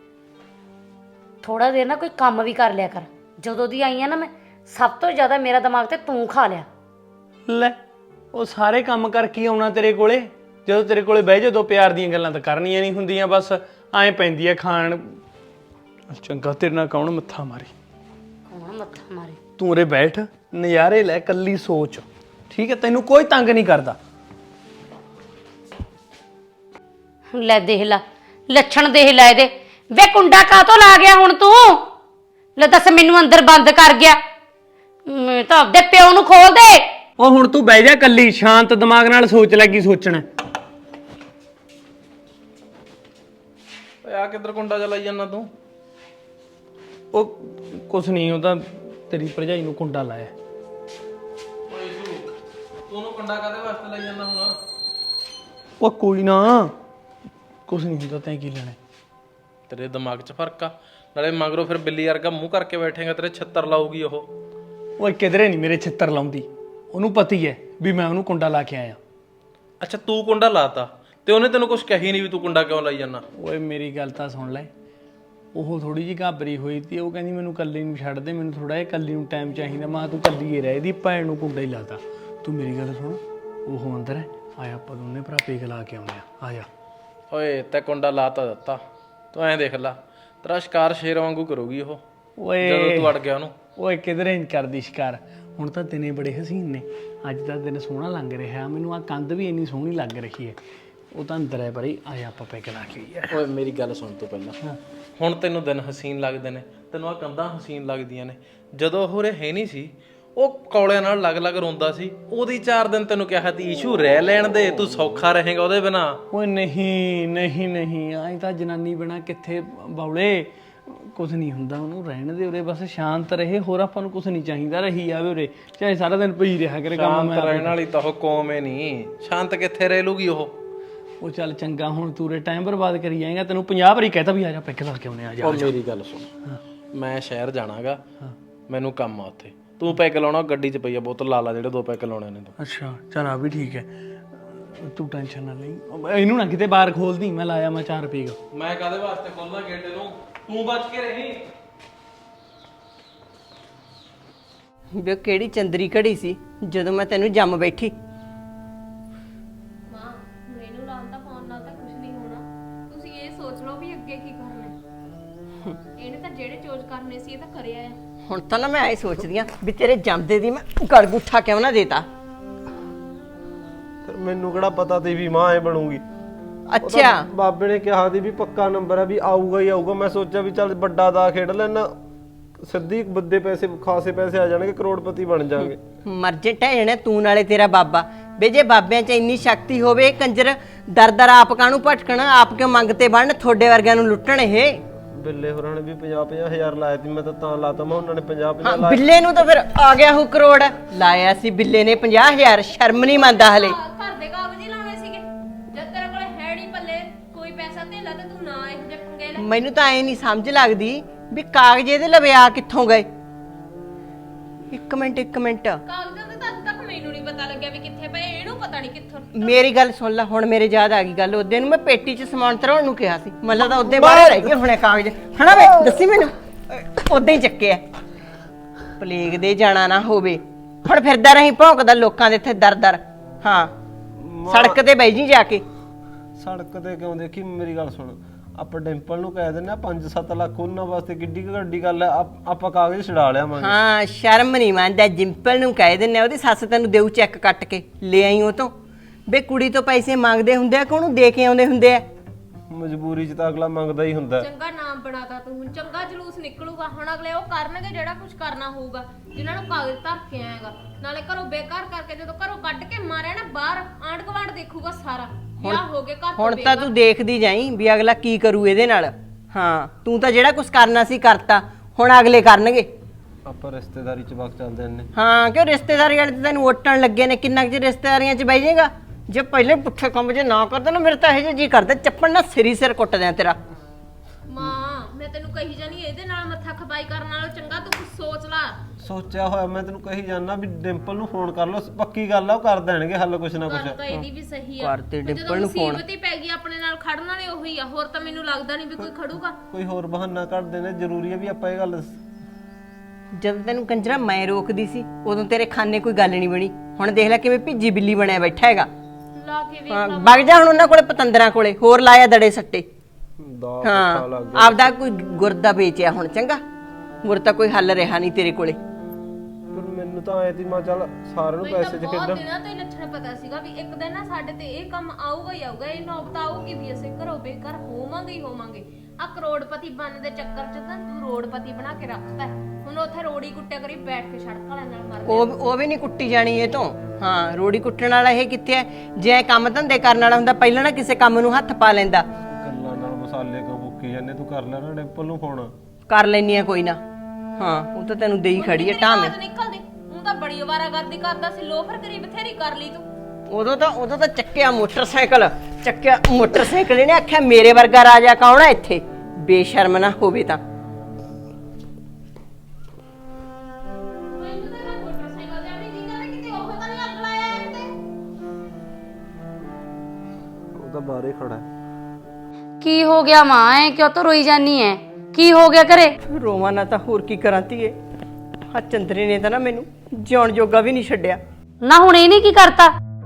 Speaker 5: ਥੋੜਾ ਦੇਰ ਨਾ ਕੋਈ ਕੰਮ ਵੀ ਕਰ ਲਿਆ ਕਰ। ਜਦੋਂ ਦੀ ਆਈ ਆ ਨਾ ਮੈਂ, ਸਭ ਤੋਂ ਜ਼ਿਆਦਾ ਮੇਰਾ ਦਿਮਾਗ ਤੇ ਤੂੰ ਖਾ ਲਿਆ।
Speaker 6: ਲੈ ਉਹ ਸਾਰੇ ਕੰਮ ਕਰਕੇ ਆਉਣਾ ਤੇਰੇ ਕੋਲੇ, ਜਦੋਂ ਤੇਰੇ ਕੋਲੇ ਬਹਿ ਜਦੋਂ ਪਿਆਰ ਦੀਆਂ ਗੱਲਾਂ ਤਾਂ ਕਰਨੀਆਂ ਨਹੀਂ ਹੁੰਦੀਆਂ, ਬਸ ਐਂ ਪੈਂਦੀ ਐ ਖਾਣ। ਚੰਗਾ ਤੇਰੇ ਨਾਲ ਕੌਣ ਮੱਥਾ ਮਾਰੇ,
Speaker 5: ਕੌਣ ਮੱਥਾ ਮਾਰੇ?
Speaker 6: ਤੂੰ ਉਰੇ ਬੈਠ, ਨਜ਼ਾਰੇ ਲੈ, ਕੱਲੀ ਸੋਚ, ਠੀਕ ਹੈ? ਤੈਨੂੰ ਕੋਈ ਤੰਗ ਨਹੀਂ ਕਰਦਾ।
Speaker 5: ਲੈ ਦੇਖ ਲਾ ਲੱਛਣ, ਦੇਖ ਲੈ ਇਹਦੇ। ਵੇ ਕੁੰਡਾ ਕਾਤੋਂ ਲਾ ਗਿਆ ਹੁਣ ਤੂੰ? ਲੈ ਦੱਸ, ਮੈਨੂੰ ਅੰਦਰ ਬੰਦ ਕਰ ਗਿਆ। ਮੈਂ ਤਾਂ ਆਪਦੇ ਪਿਓ ਨੂੰ ਖੋਲ ਦੇ।
Speaker 6: ਉਹ ਹੁਣ ਤੂੰ ਬਹਿ ਜਾ ਕੱਲੀ, ਸ਼ਾਂਤ ਦਿਮਾਗ ਨਾਲ ਸੋਚ ਲੈ ਕੀ ਸੋਚਣਾ।
Speaker 7: ਓਏ ਆ ਕਿੱਧਰ ਕੁੰਡਾ ਚਲਾਈ ਜਾਂਦਾ ਤੂੰ?
Speaker 6: ਉਹ ਕੁਛ ਨਹੀਂ, ਉਹ ਤਾਂ ਤੇਰੀ ਭਰਜਾਈ ਨੂੰ ਕੁੰਡਾ ਲਾਇਆ।
Speaker 7: ਓਏ ਇਸ਼ੂ, ਤੂੰ ਉਹਨੂੰ ਕੁੰਡਾ ਕਾਦੇ ਵਾਸਤੇ ਲਾਈ ਜਾਂਦਾ ਹੁਣ?
Speaker 6: ਉਹ ਕੋਈ ਨਾ, ਕੁਛ ਨਹੀਂ ਹੁੰਦਾ, ਤੈਂ ਕੀ ਲੈਣਾ?
Speaker 7: ਤੇਰੇ ਦਿਮਾਗ 'ਚ ਫਰਕ ਆ। ਨਾਲੇ ਮਗਰੋਂ ਫਿਰ ਬਿੱਲੀ ਵਰਗਾ ਮੂੰਹ ਕਰਕੇ ਬੈਠੇਗਾ, ਤੇਰੇ ਛੱਤਰ ਲਾਊਗੀ ਉਹ।
Speaker 6: ਓਏ ਕਿਧਰੇ ਨਹੀਂ ਮੇਰੇ ਛਿੱਤਰ ਲਾਉਂਦੀ, ਉਹਨੂੰ ਪਤੀ ਹੈ ਵੀ ਮੈਂ ਉਹਨੂੰ ਕੁੰਡਾ ਲਾ ਕੇ ਆਇਆ।
Speaker 7: ਅੱਛਾ ਤੂੰ ਕੁੰਡਾ ਲਾਤਾ ਤੇ ਉਹਨੇ ਤੈਨੂੰ ਕੁਝ ਕਹੀ ਨਹੀਂ ਵੀ ਤੂੰ ਕੁੰਡਾ ਕਿਉਂ ਲਾਈ ਜਾਂਦਾ?
Speaker 6: ਓਏ ਮੇਰੀ ਗੱਲ ਤਾਂ ਸੁਣ ਲੈ, ਉਹ ਥੋੜੀ ਜਿਹੀ ਘਾਬਰੀ ਹੋਈ ਤੀ, ਉਹ ਕਹਿੰਦੀ ਮੈਨੂੰ ਕੱਲੀ ਨੂੰ ਛੱਡ ਦੇ, ਮੈਨੂੰ ਥੋੜਾ ਜਿਹਾ ਕੱਲੀ ਨੂੰ ਟਾਈਮ ਚਾਹੀਦਾ। ਮੈਂ ਤੂੰ ਕੱਲੀ ਹੀ ਰਹਿ, ਇਹਦੀ ਭੈਣ ਨੂੰ ਕੁੰਡਾ ਹੀ ਲਾਤਾ। ਤੂੰ ਮੇਰੀ ਗੱਲ ਸੁਣ, ਉਹ ਅੰਦਰ ਹੈ, ਆਇਆ ਆਪਾਂ ਦੋਨੇ ਭਰਾ ਪੇਗ ਲਾ ਕੇ ਆਉਂਦੇ ਆ, ਆ ਜਾ।
Speaker 7: ਓਏ ਤੇ ਕੁੰਡਾ ਲਾਤਾ ਦਿੱਤਾ, ਤੂੰ ਐਂ ਦੇਖ ਲੈ, ਤੇਰਾ ਸ਼ਿਕਾਰ ਸ਼ੇਰ ਵਾਂਗੂ ਕਰੂਗੀ ਉਹ
Speaker 6: ਓਏ
Speaker 7: ਜਦੋਂ ਤੂੰ ਅੜ ਗਿਆ ਉਹਨੂੰ।
Speaker 6: ਓਏ ਕਿਧਰੇ ਨਹੀਂ ਕਰਦੀ ਸ਼ਿਕਾਰ। ਹੁਣ ਤਾਂ ਦਿਨੇ ਬੜੇ ਹਸੀਨ ਨੇ, ਅੱਜ ਦਾ ਦਿਨ ਸੋਹਣਾ ਲੰਘ ਰਿਹਾ, ਮੈਨੂੰ ਆ ਕੰਧ ਵੀ ਇੰਨੀ ਸੋਹਣੀ ਲੱਗ ਰਹੀ ਹੈ। ਉਹ ਤਾਂ ਅੰਦਰ ਹੈ ਪਰੀ, ਆਇਆ ਆਪਾਂ ਪੈਗ ਲਾ ਕੇ ਆਈਏ।
Speaker 7: ਓਏ ਮੇਰੀ ਗੱਲ ਸੁਣ ਤੂੰ ਪਹਿਲਾਂ। ਹੁਣ ਤੈਨੂੰ ਦਿਨ ਹਸੀਨ ਲੱਗਦੇ ਨੇ, ਤੈਨੂੰ ਆ ਕੰਧਾਂ ਹਸੀਨ ਲੱਗਦੀਆਂ ਨੇ। ਜਦੋਂ ਉਹ ਰੇ ਹੈ ਨਹੀਂ ਸੀ, ਉਹ ਕੌਲਿਆਂ ਨਾਲ ਲੱਗ-ਲੱਗ ਰੋਂਦਾ ਸੀ, ਉਹਦੀ ਚਾਰ ਦਿਨ ਤੈਨੂੰ ਕਿਹਾ ਤੀ ਇਸ਼ੂ ਰਹਿ ਲੈਣ ਦੇ, ਤੂੰ ਸੌਖਾ ਰਹੇਗਾ ਉਹਦੇ ਬਿਨਾ।
Speaker 6: ਓਏ ਨਹੀਂ ਨਹੀਂ ਨਹੀਂ, ਐਂ ਤਾਂ ਜਨਾਨੀ ਬਿਨਾ ਕਿੱਥੇ ਬੌਲੇ, ਕੁਝ ਨਹੀਂ ਹੁੰਦਾ, ਉਹਨੂੰ ਰਹਿਣ ਦੇ ਉਰੇ, ਬਸ ਸ਼ਾਂਤ ਰਹੇ, ਹੋਰ ਆਪਾਂ ਨੂੰ ਕੁਝ ਨਹੀਂ ਚਾਹੀਦਾ। ਰਹੀ ਆਵੇ ਉਰੇ, ਚਾਹੇ ਸਾਰਾ ਦਿਨ ਪਈ ਰਿਹਾ ਕਰੇ ਕੰਮ।
Speaker 7: ਸ਼ਾਂਤ ਰਹਿਣ ਵਾਲੀ ਤਾਂ ਉਹ ਕੌਮ ਏ ਨਹੀਂ, ਸ਼ਾਂਤ ਕਿੱਥੇ ਰਹਿ ਲੂਗੀ ਉਹ।
Speaker 6: ਉਹ ਚੱਲ ਚੰਗਾ, ਹੁਣ ਤੂਰੇ ਟਾਈਮ ਬਰਬਾਦ ਕਰੀ ਜਾਏਗਾ, ਤੈਨੂੰ ਪੰਜਾਹ ਵਾਰੀ ਕਹਿਤਾ ਵੀ ਆ ਜਾ ਪੈਗ ਲਾ ਕੇ ਆਉਨੇ ਆ ਜਾ।
Speaker 7: ਉਹ ਮੇਰੀ ਗੱਲ ਸੁਣ, ਮੈਂ ਸ਼ਹਿਰ ਜਾਣਾਗਾ, ਮੈਨੂੰ ਕੰਮ ਆ ਉੱਥੇ। ਤੂੰ ਪੈਗ ਲਾਉਣਾ, ਗੱਡੀ 'ਚ ਪਈ ਆ ਬੋਤਲ, ਲਾ ਲਾ ਜਿਹੜੇ ਦੋ ਪੈਗ ਲਾਉਣੇ ਨੇ ਤੂੰ।
Speaker 6: ਅੱਛਾ ਚੱਲ ਆ ਵੀ ਠੀਕ ਹੈ, ਤੂੰ ਟੈਨਸ਼ਨ ਨਾ ਲਈ। ਇਹਨੂੰ ਨਾ ਕਿਤੇ ਬਾਹਰ ਖੋਲਦੀ, ਮੈਂ ਲਾਇਆ ਮੈਂ ਚਾਰ ਪੀਗ।
Speaker 7: ਮੈਂ ਕਾਦੇ ਵਾਸਤੇ ਖੋਲਣਾ ਗੇਟ ਨੂੰ? ਤੂੰ ਬਚ ਕੇ ਰਹੀ।
Speaker 4: ਵੀ ਉਹ ਕਿਹੜੀ ਚੰਦਰੀ ਘੜੀ ਸੀ ਜਦੋਂ ਮੈਂ ਤੈਨੂੰ ਜੰਮ ਬੈਠੀ।
Speaker 2: ਮਾਂ ਮੈਨੂੰ ਲਾਉਣ ਦਾ ਫੋਨ ਨਾਲ ਤਾਂ ਕੁਝ ਨਹੀਂ ਹੋਣਾ, ਤੁਸੀਂ ਇਹ ਸੋਚ ਲਓ ਵੀ ਅੱਗੇ ਕੀ ਕਰਨਾ ਹੈ। ਇਹਨੇ ਤਾਂ ਜਿਹੜੇ ਚੋਜ ਕਰਨੇ ਸੀ ਇਹ ਤਾਂ ਕਰਿਆ ਆ।
Speaker 4: ਹੁਣ ਤਾਂ ਨਾ ਮੈਂ ਐ ਸੋਚਦੀ ਆ ਵੀ ਤੇਰੇ ਜੰਮਦੇ ਦੀ ਮੈਂ ਗੜਗੁੱਠਾ ਕਿਉਂ ਨਾ ਦੇਤਾ।
Speaker 8: ਫਿਰ ਮੈਨੂੰ ਕਿਹੜਾ ਪਤਾ ਤੀ ਵੀ ਮਾਂ ਐ ਬਣੂਗੀ।
Speaker 4: ਅੱਛਾ
Speaker 8: ਬਾਬੇ ਨੇ ਕਿਹਾ ਸੀ ਵੀ ਪੱਕਾ ਨੰਬਰ ਹੈ ਵੀ ਆਊਗਾ ਹੀ ਆਊਗਾ। ਮੈਂ ਸੋਚਿਆ ਵੀ ਚੱਲ ਵੱਡਾ ਦਾ ਖੇਡ ਲੈਣਾ, ਸਿੱਧੀ ਬੱਦੇ ਪੈਸੇ ਖਾਸੇ ਪੈਸੇ ਆ ਜਾਣਗੇ, ਕਰੋੜਪਤੀ ਬਣ ਜਾਾਂਗੇ।
Speaker 4: ਮਰਜੇ ਟਹਿਣੇ ਤੂੰ ਨਾਲੇ ਤੇਰਾ ਬਾਬਾ। ਵੇ ਜੇ ਬਾਬਿਆਂ 'ਚ ਇੰਨੀ ਸ਼ਕਤੀ ਹੋਵੇ, ਕੰਜਰ ਦਰ ਦਰ ਆਪ ਕਾਹਨੂੰ ਭਟਕਣਾ, ਆਪ ਕਿਉਂ ਮੰਗਤੇ ਬਣਨ, ਤੁਹਾਡੇ ਵਰਗਿਆਂ ਨੂੰ ਲੁੱਟਣ ਇਹ।
Speaker 8: ਬਿੱਲੇ ਹੋਰਾਂ ਨੇ ਵੀ ਪੰਜਾਹ ਪੰਜਾਹ ਹਜ਼ਾਰ ਲਾਇਆ ਸੀ, ਮੈਂ ਤਾਂ ਤਾਂ ਲਾਤਾ ਮੈਂ ਉਹਨਾਂ ਨੇ ਪੰਜਾਹ ਪੰਜਾਹ
Speaker 4: ਹਾਂ
Speaker 8: ਲਾਇਆ।
Speaker 4: ਬਿੱਲੇ ਨੂੰ ਤਾਂ ਫਿਰ ਆ ਗਿਆ ਹੂ ਕਰੋੜ ਲਾਇਆ ਸੀ ਬਿੱਲੇ ਨੇ ਪੰਜਾਹ ਹਜ਼ਾਰ। ਸ਼ਰਮ ਨਹੀਂ ਮੰਨਦਾ ਹਲੇ।
Speaker 2: ਘਰ ਦੇ ਕਾਗਜ਼ ਹੀ ਲਾਉਣੇ ਸੀਗੇ, ਜਦ ਤੇਰੇ ਕੋਲ ਹੈ ਨਹੀਂ ਪੱਲੇ ਕੋਈ ਪੈਸਾ ਧੇਲਾ ਤੇ ਤੂੰ ਨਾ ਇਹੋ ਜਿਹੇ ਪੰਗੇ ਲੈ।
Speaker 4: ਮੈਨੂੰ ਤਾਂ ਐ ਨਹੀਂ ਸਮਝ ਲੱਗਦੀ ਵੀ ਕਾਗਜ਼ ਇਹਦੇ ਲਵੇ ਆ ਕਿੱਥੋਂ ਗਏ। ਇੱਕ ਮਿੰਟ ਇੱਕ ਮਿੰਟ
Speaker 2: ਕਾਗਜ਼ਾਂ ਦੇ ਤਾਂ ਅੱਜ ਤੱਕ ਮੈਨੂੰ ਨਹੀਂ ਪਤਾ ਲੱਗਿਆ ਵੀ ਕਿੱਥੇ ਪਏ, ਇਹਨੂੰ ਪਤਾ ਨਹੀਂ ਕਿੱਥੋਂ।
Speaker 4: ਮੇਰੀ ਗੱਲ ਸੁਣ ਲੈ, ਹੁਣ ਮੇਰੇ ਯਾਦ ਆ ਗਈ ਗੱਲ। ਉਹਦੇ ਨੂੰ ਮੈਂ ਪੇਟੀ 'ਚ ਸਮਾਨ ਧਰਾਉਣ ਨੂੰ ਕਿਹਾ ਸੀ, ਮਤਲਬ ਤਾਂ ਉਹਦੇ ਬਾਹਰ ਰਹਿ ਗਏ ਹੁਣੇ ਕਾਗਜ਼। ਹਨਾ ਵੇ ਦੱਸੀ ਮੈਨੂੰ, ਉਦਾਂ ਹੀ ਚੱਕਿਆ। ਪਲੇਗ ਦੇ ਜਾਣਾ ਨਾ ਹੋਵੇ, ਹੁਣ ਫਿਰਦਾ ਰਹੀ ਭੌਂਕਦਾ ਲੋਕਾਂ ਦੇ ਇੱਥੇ ਦਰ ਦਰ। ਹਾਂ ਸੜਕ ਤੇ ਬਹਿ ਜੀ ਜਾ ਕੇ।
Speaker 8: ਸੜਕ ਤੇ ਕਿਉਂ ਦੇਖੀ, ਮੇਰੀ ਗੱਲ ਸੁਣ, ਆਪਾਂ ਡਿੰਪਲ ਨੂੰ ਕਹਿ ਦਿੰਦੇ ਆ ਪੰਜ ਸੱਤ ਲੱਖ ਉਹਨਾਂ ਵਾਸਤੇ, ਕਿੱਡੀ ਕੁ ਵੱਡੀ ਗੱਲ ਹੈ। ਆਪ- ਆਪਾਂ ਕਾਗਜ਼ ਛਡਾ ਲਿਆਵਾਂਗੇ।
Speaker 4: ਹਾਂ ਸ਼ਰਮ ਨਹੀਂ ਮੰਨਦਾ। ਜਿੰਪਲ ਨੂੰ ਕਹਿ ਦਿੰਨੇ ਉਹਦੀ ਸੱਸ ਤੈਨੂੰ ਦੇਊ ਚੈੱਕ ਕੱਟ ਕੇ, ਲੈ ਆਈ ਉਹ ਤੋਂ। ਬੇ ਕੁੜੀ ਤੋਂ ਪੈਸੇ ਮੰਗਦੇ ਹੁੰਦੇ ਆ ਕਿ ਉਹਨੂੰ ਦੇ ਕੇ ਆਉਂਦੇ ਹੁੰਦੇ ਆ।
Speaker 8: ਮਜਬੂਰੀ 'ਚ ਤਾਂ ਅਗਲਾ ਮੰਗਦਾ ਹੀ ਹੁੰਦਾ।
Speaker 2: ਚੰਗਾ ਨਾਮ ਬਣਾਤਾ ਤੂੰ, ਹੁਣ ਚੰਗਾ ਜਲੂਸ ਨਿਕਲੂਗਾ। ਹੁਣ ਅਗਲੇ ਉਹ ਕਰਨਗੇ ਜਿਹੜਾ ਕੁਝ ਕਰਨਾ ਹੋਊਗਾ, ਜਿਨ੍ਹਾਂ ਨੂੰ ਕਾਗਜ਼ ਧਰ ਕੇ ਆਏਗਾ। ਨਾਲੇ ਘਰੋਂ ਬੇਕਾਰ ਕਰਕੇ ਜਦੋਂ ਘਰੋਂ ਕੱਢ ਕੇ ਮਾਰਿਆ ਨਾ ਬਾਹਰ, ਆਂਢ ਗੁਆਂਢ ਦੇਖੂਗਾ ਸਾਰਾ। ਵਿਆਹ ਹੋ ਗਏ ਘਰ ਤੋਂ
Speaker 4: ਹੁਣ ਤਾਂ ਤੂੰ ਦੇਖਦੀ ਜਾਈ ਵੀ ਅਗਲਾ ਕੀ ਕਰੂ ਇਹਦੇ ਨਾਲ। ਹਾਂ ਤੂੰ ਤਾਂ ਜਿਹੜਾ ਕੁਝ ਕਰਨਾ ਸੀ ਕਰਤਾ, ਹੁਣ ਅਗਲੇ ਕਰਨਗੇ।
Speaker 8: ਆਪਾਂ ਰਿਸ਼ਤੇਦਾਰੀ 'ਚ ਵਕ ਚੱਲਦੇ ਨੇ।
Speaker 4: ਹਾਂ ਕਿਉਂ ਰਿਸ਼ਤੇਦਾਰੀ ਵਾਲੇ ਤੇ ਤੈਨੂੰ ਵੋਟਣ ਲੱਗੇ ਨੇ, ਕਿੰਨਾ ਕੁ ਚਿਰ ਰਿਸ਼ਤੇਦਾਰੀਆਂ 'ਚ ਬਹਿ ਜਾਏਗਾ। ਜੇ ਪਹਿਲੇ ਪੁੱਠੇ ਕੰਮ ਜੇ ਨਾ ਕਰਦਾ ਨਾ, ਮੇਰੇ ਤਾਂ ਇਹ ਜੀ ਕਰਦਾ ਚੱਪਣ ਨਾ ਸਿਰੀ ਸਿਰ ਕੁੱਟ ਦਿਆਂ ਤੇਰਾ।
Speaker 2: ਮਾਂ ਮੈਂ ਤੈਨੂੰ ਕਹੀ ਜਾਨੀ ਇਹਦੇ ਨਾਲ ਮੱਥਾ ਖਪਾਈ ਕਰਨ ਨਾਲੋਂ ਚੰਗਾ ਤੂੰ ਕੁਝ ਸੋਚ ਲਾ।
Speaker 8: ਸੋਚਿਆ ਹੋਇਆ ਮੈਂ ਤੈਨੂੰ ਕਹੀ ਜਾਣਾ ਵੀ ਡਿੰਪਲ ਨੂੰ ਫੋਨ ਕਰ ਲਓ, ਪੱਕੀ ਗੱਲ ਆ ਉਹ ਕਰ ਦੇਣਗੇ ਹੱਲ ਕੁਛ ਨਾ
Speaker 2: ਗੱਲ
Speaker 8: ਕੁਛ।
Speaker 2: ਤਾਂ ਇਹਦੀ ਵੀ ਸਹੀ ਆ।
Speaker 4: ਕਰ ਤੇ
Speaker 2: ਜਦੋਂ
Speaker 4: ਡਿੰਪਲ ਨੂੰ phone।
Speaker 2: ਮੁਸੀਬਤ ਹੀ ਪੈ ਗਈ ਆਪਣੇ ਨਾਲ ਖੜਨ ਵਾਲੇ ਉਹੀ ਆ, ਹੋਰ ਤਾਂ ਮੈਨੂੰ ਲੱਗਦਾ ਨਹੀਂ ਵੀ ਕੋਈ ਖੜੂਗਾ।
Speaker 8: ਕੋਈ ਹੋਰ ਬਹਾਨਾ ਕੱਢਦੇ ਨੇ, ਜ਼ਰੂਰੀ ਹੈ ਵੀ ਆਪਾਂ ਇਹ ਗੱਲ।
Speaker 4: ਜਦੋਂ ਤੈਨੂੰ ਕੰਜਰਾ ਮੈਂ ਰੋਕਦੀ ਸੀ ਉਦੋਂ ਤੇਰੇ ਖਾਨੇ ਕੋਈ ਗੱਲ ਨਹੀਂ ਬਣੀ। ਹੁਣ ਦੇਖ ਲੈ ਕਿਵੇਂ ਭਿੱਜੀ ਬਿੱਲੀ ਬਣਿਆ ਬੈਠਾ ਹੈਗਾ।
Speaker 2: ਲਾ ਕੇ ਵੇਖ
Speaker 4: ਹਾਂ ਵਗ ਜਾ ਹੁਣ ਉਹਨਾਂ ਕੋਲੇ ਪਤੰਦਰਾਂ ਕੋਲੇ, ਹੋਰ ਲਾਇਆ ਦੜੇ ਸੱਟੇ।
Speaker 8: ਦਾ
Speaker 4: ਹਾਂ ਆਪਦਾ ਕੋਈ ਗੁਰਦਾ ਵੇਚਿਆ ਹੁਣ, ਚੰਗਾ ਗੁਰ ਤਾਂ ਕੋਈ ਹੱਲ ਰਿਹਾ ਨਹੀਂ ਤੇਰੇ ਕੋਲੇ।
Speaker 8: ਪਰ ਮੈਨੂੰ ਤਾਂ ਐ ਤੀ ਮੈਂ ਚੱਲ ਸਾਰਿਆਂ ਨੂੰ
Speaker 2: ਮੈਨੂੰ
Speaker 8: ਪੈਸੇ
Speaker 2: ਤਾਂ
Speaker 8: ਚ
Speaker 2: ਬਹੁਤ
Speaker 8: ਖੇਡਾਂ।
Speaker 2: ਦਿਨਾਂ ਤੋਂ ਹੀ ਲੱਛਣ ਪਤਾ ਸੀਗਾ ਵੀ ਇੱਕ ਦਿਨ ਨਾ ਸਾਡੇ ਤੇ ਇਹ ਕੰਮ ਆਊਗਾ ਹੀ ਆਊਗਾ, ਇਹ ਨੌਬਤ ਆਊਗੀ ਵੀ ਅਸੀਂ ਘਰੋਂ ਬੇਘਰ ਹੋਵਾਂਗੇ ਹੀ ਹੋਵਾਂਗੇ। ਆ ਕਰੋੜਪਤੀ ਬਣਨ ਦੇ ਚੱਕਰ 'ਚ ਤਾਂ ਤੂੰ ਰੋੜਪਤੀ ਬਣਾ ਕੇ ਰੱਖਤਾ ਹੈ। ਹੁਣ ਉੱਥੇ ਰੋੜੀ ਕੁੱਟਿਆ ਕਰੀ ਬੈਠ ਕੇ ਸੜਕ ਵਾਲਿਆਂ ਨਾਲ ਮਰ
Speaker 4: ਉਹ ਉਹ ਵੀ ਨਹੀਂ ਕੁੱਟੀ ਜਾਣੀ ਇਹ ਤੋਂ। ਹਾਂ ਰੋੜੀ ਕੁੱਟਣ ਵਾਲਾ ਇਹ ਕਿੱਥੇ ਹੈ? ਜੇ ਕੰਮ ਧੰਦੇ ਕਰਨ ਵਾਲਾ ਹੁੰਦਾ ਪਹਿਲਾਂ ਨਾ ਕਿਸੇ ਕੰਮ ਨੂੰ ਹੱਥ ਪਾ ਲੈਂਦਾ।
Speaker 8: ਗੱਲਾਂ ਨਾਲ ਮਸਾਲੇ ਕਿਉਂ ਮੁੱਕੀ ਜਾਂਦੇ? ਤੂੰ ਕਰ ਲੈ ਨਾ ਡਿੰਪਲ ਨੂੰ ਫੋਨ।
Speaker 4: ਕਰ ਲੈਨੀ ਆ ਕੋਈ ਨਾ। ਹਾਂ ਉਹ ਤਾਂ ਤੈਨੂੰ ਦੇਈ ਖੜੀ ਹੈ ਟਾਵੇਂ।
Speaker 2: ਨਿਕਲਦੀ ਹੁਣ ਤਾਂ ਬੜੀ ਅਵਾਰਾਗਰਦੀ ਕਰਦਾ ਸੀ, ਲੋਫਰ ਕਰੀ ਬਥੇਰੀ ਕਰ ਲਈ ਤੂੰ।
Speaker 4: ਉਦੋਂ ਤਾਂ ਉਦੋਂ ਤਾਂ ਚੱਕਿਆ ਮੋਟਰਸਾਈਕਲ, ਚੱਕਿਆ ਮੋਟਰਸਾਈਕਲ ਇਹਨੇ ਆਖਿਆ ਮੇਰੇ ਵਰਗਾ ਰਾਜਾ ਕੌਣ ਹੈ ਇੱਥੇ, ਬੇਸ਼ਰਮ ਨਾ ਹੋਵੇ ਤਾਂ।
Speaker 2: ਮੈਨੂੰ ਤਾਂ ਮੋਟਰਸਾਈਕਲ ਤੇ ਆਪਣੀ ਜੀਜਾ ਨੇ ਕਿਤੇ ਉਹ ਤਾਂ ਨਹੀਂ ਅੱਗ ਲਾਇਆ ਇੱਥੇ।
Speaker 8: ਉਹ ਤਾਂ ਬਾਹਰੇ ਖੜਾ ਹੈ।
Speaker 5: ਕੀ ਹੋ ਗਿਆ ਮਾਂ, ਐ ਕਿਉਂ ਤੋ ਰੋਈ ਜਾਨੀ ਐ? ਕੀ ਹੋ ਗਿਆ ਘਰੇ?
Speaker 4: ਰੋਵਾਂ ਨਾ ਤਾਂ ਹੋਰ ਕੀ ਕਰਾਂ ਧੀਏ। ਆ ਚੰਦਰੇ ਨੇ ਤਾਂ ਨਾ ਮੈਨੂੰ ਜਿਉਣ ਜੋਗਾ ਵੀ ਨਹੀਂ ਛੱਡਿਆ।
Speaker 5: ਨਾ ਹੁਣ ਇਹਨੇ ਕੀ ਕਰਤਾ?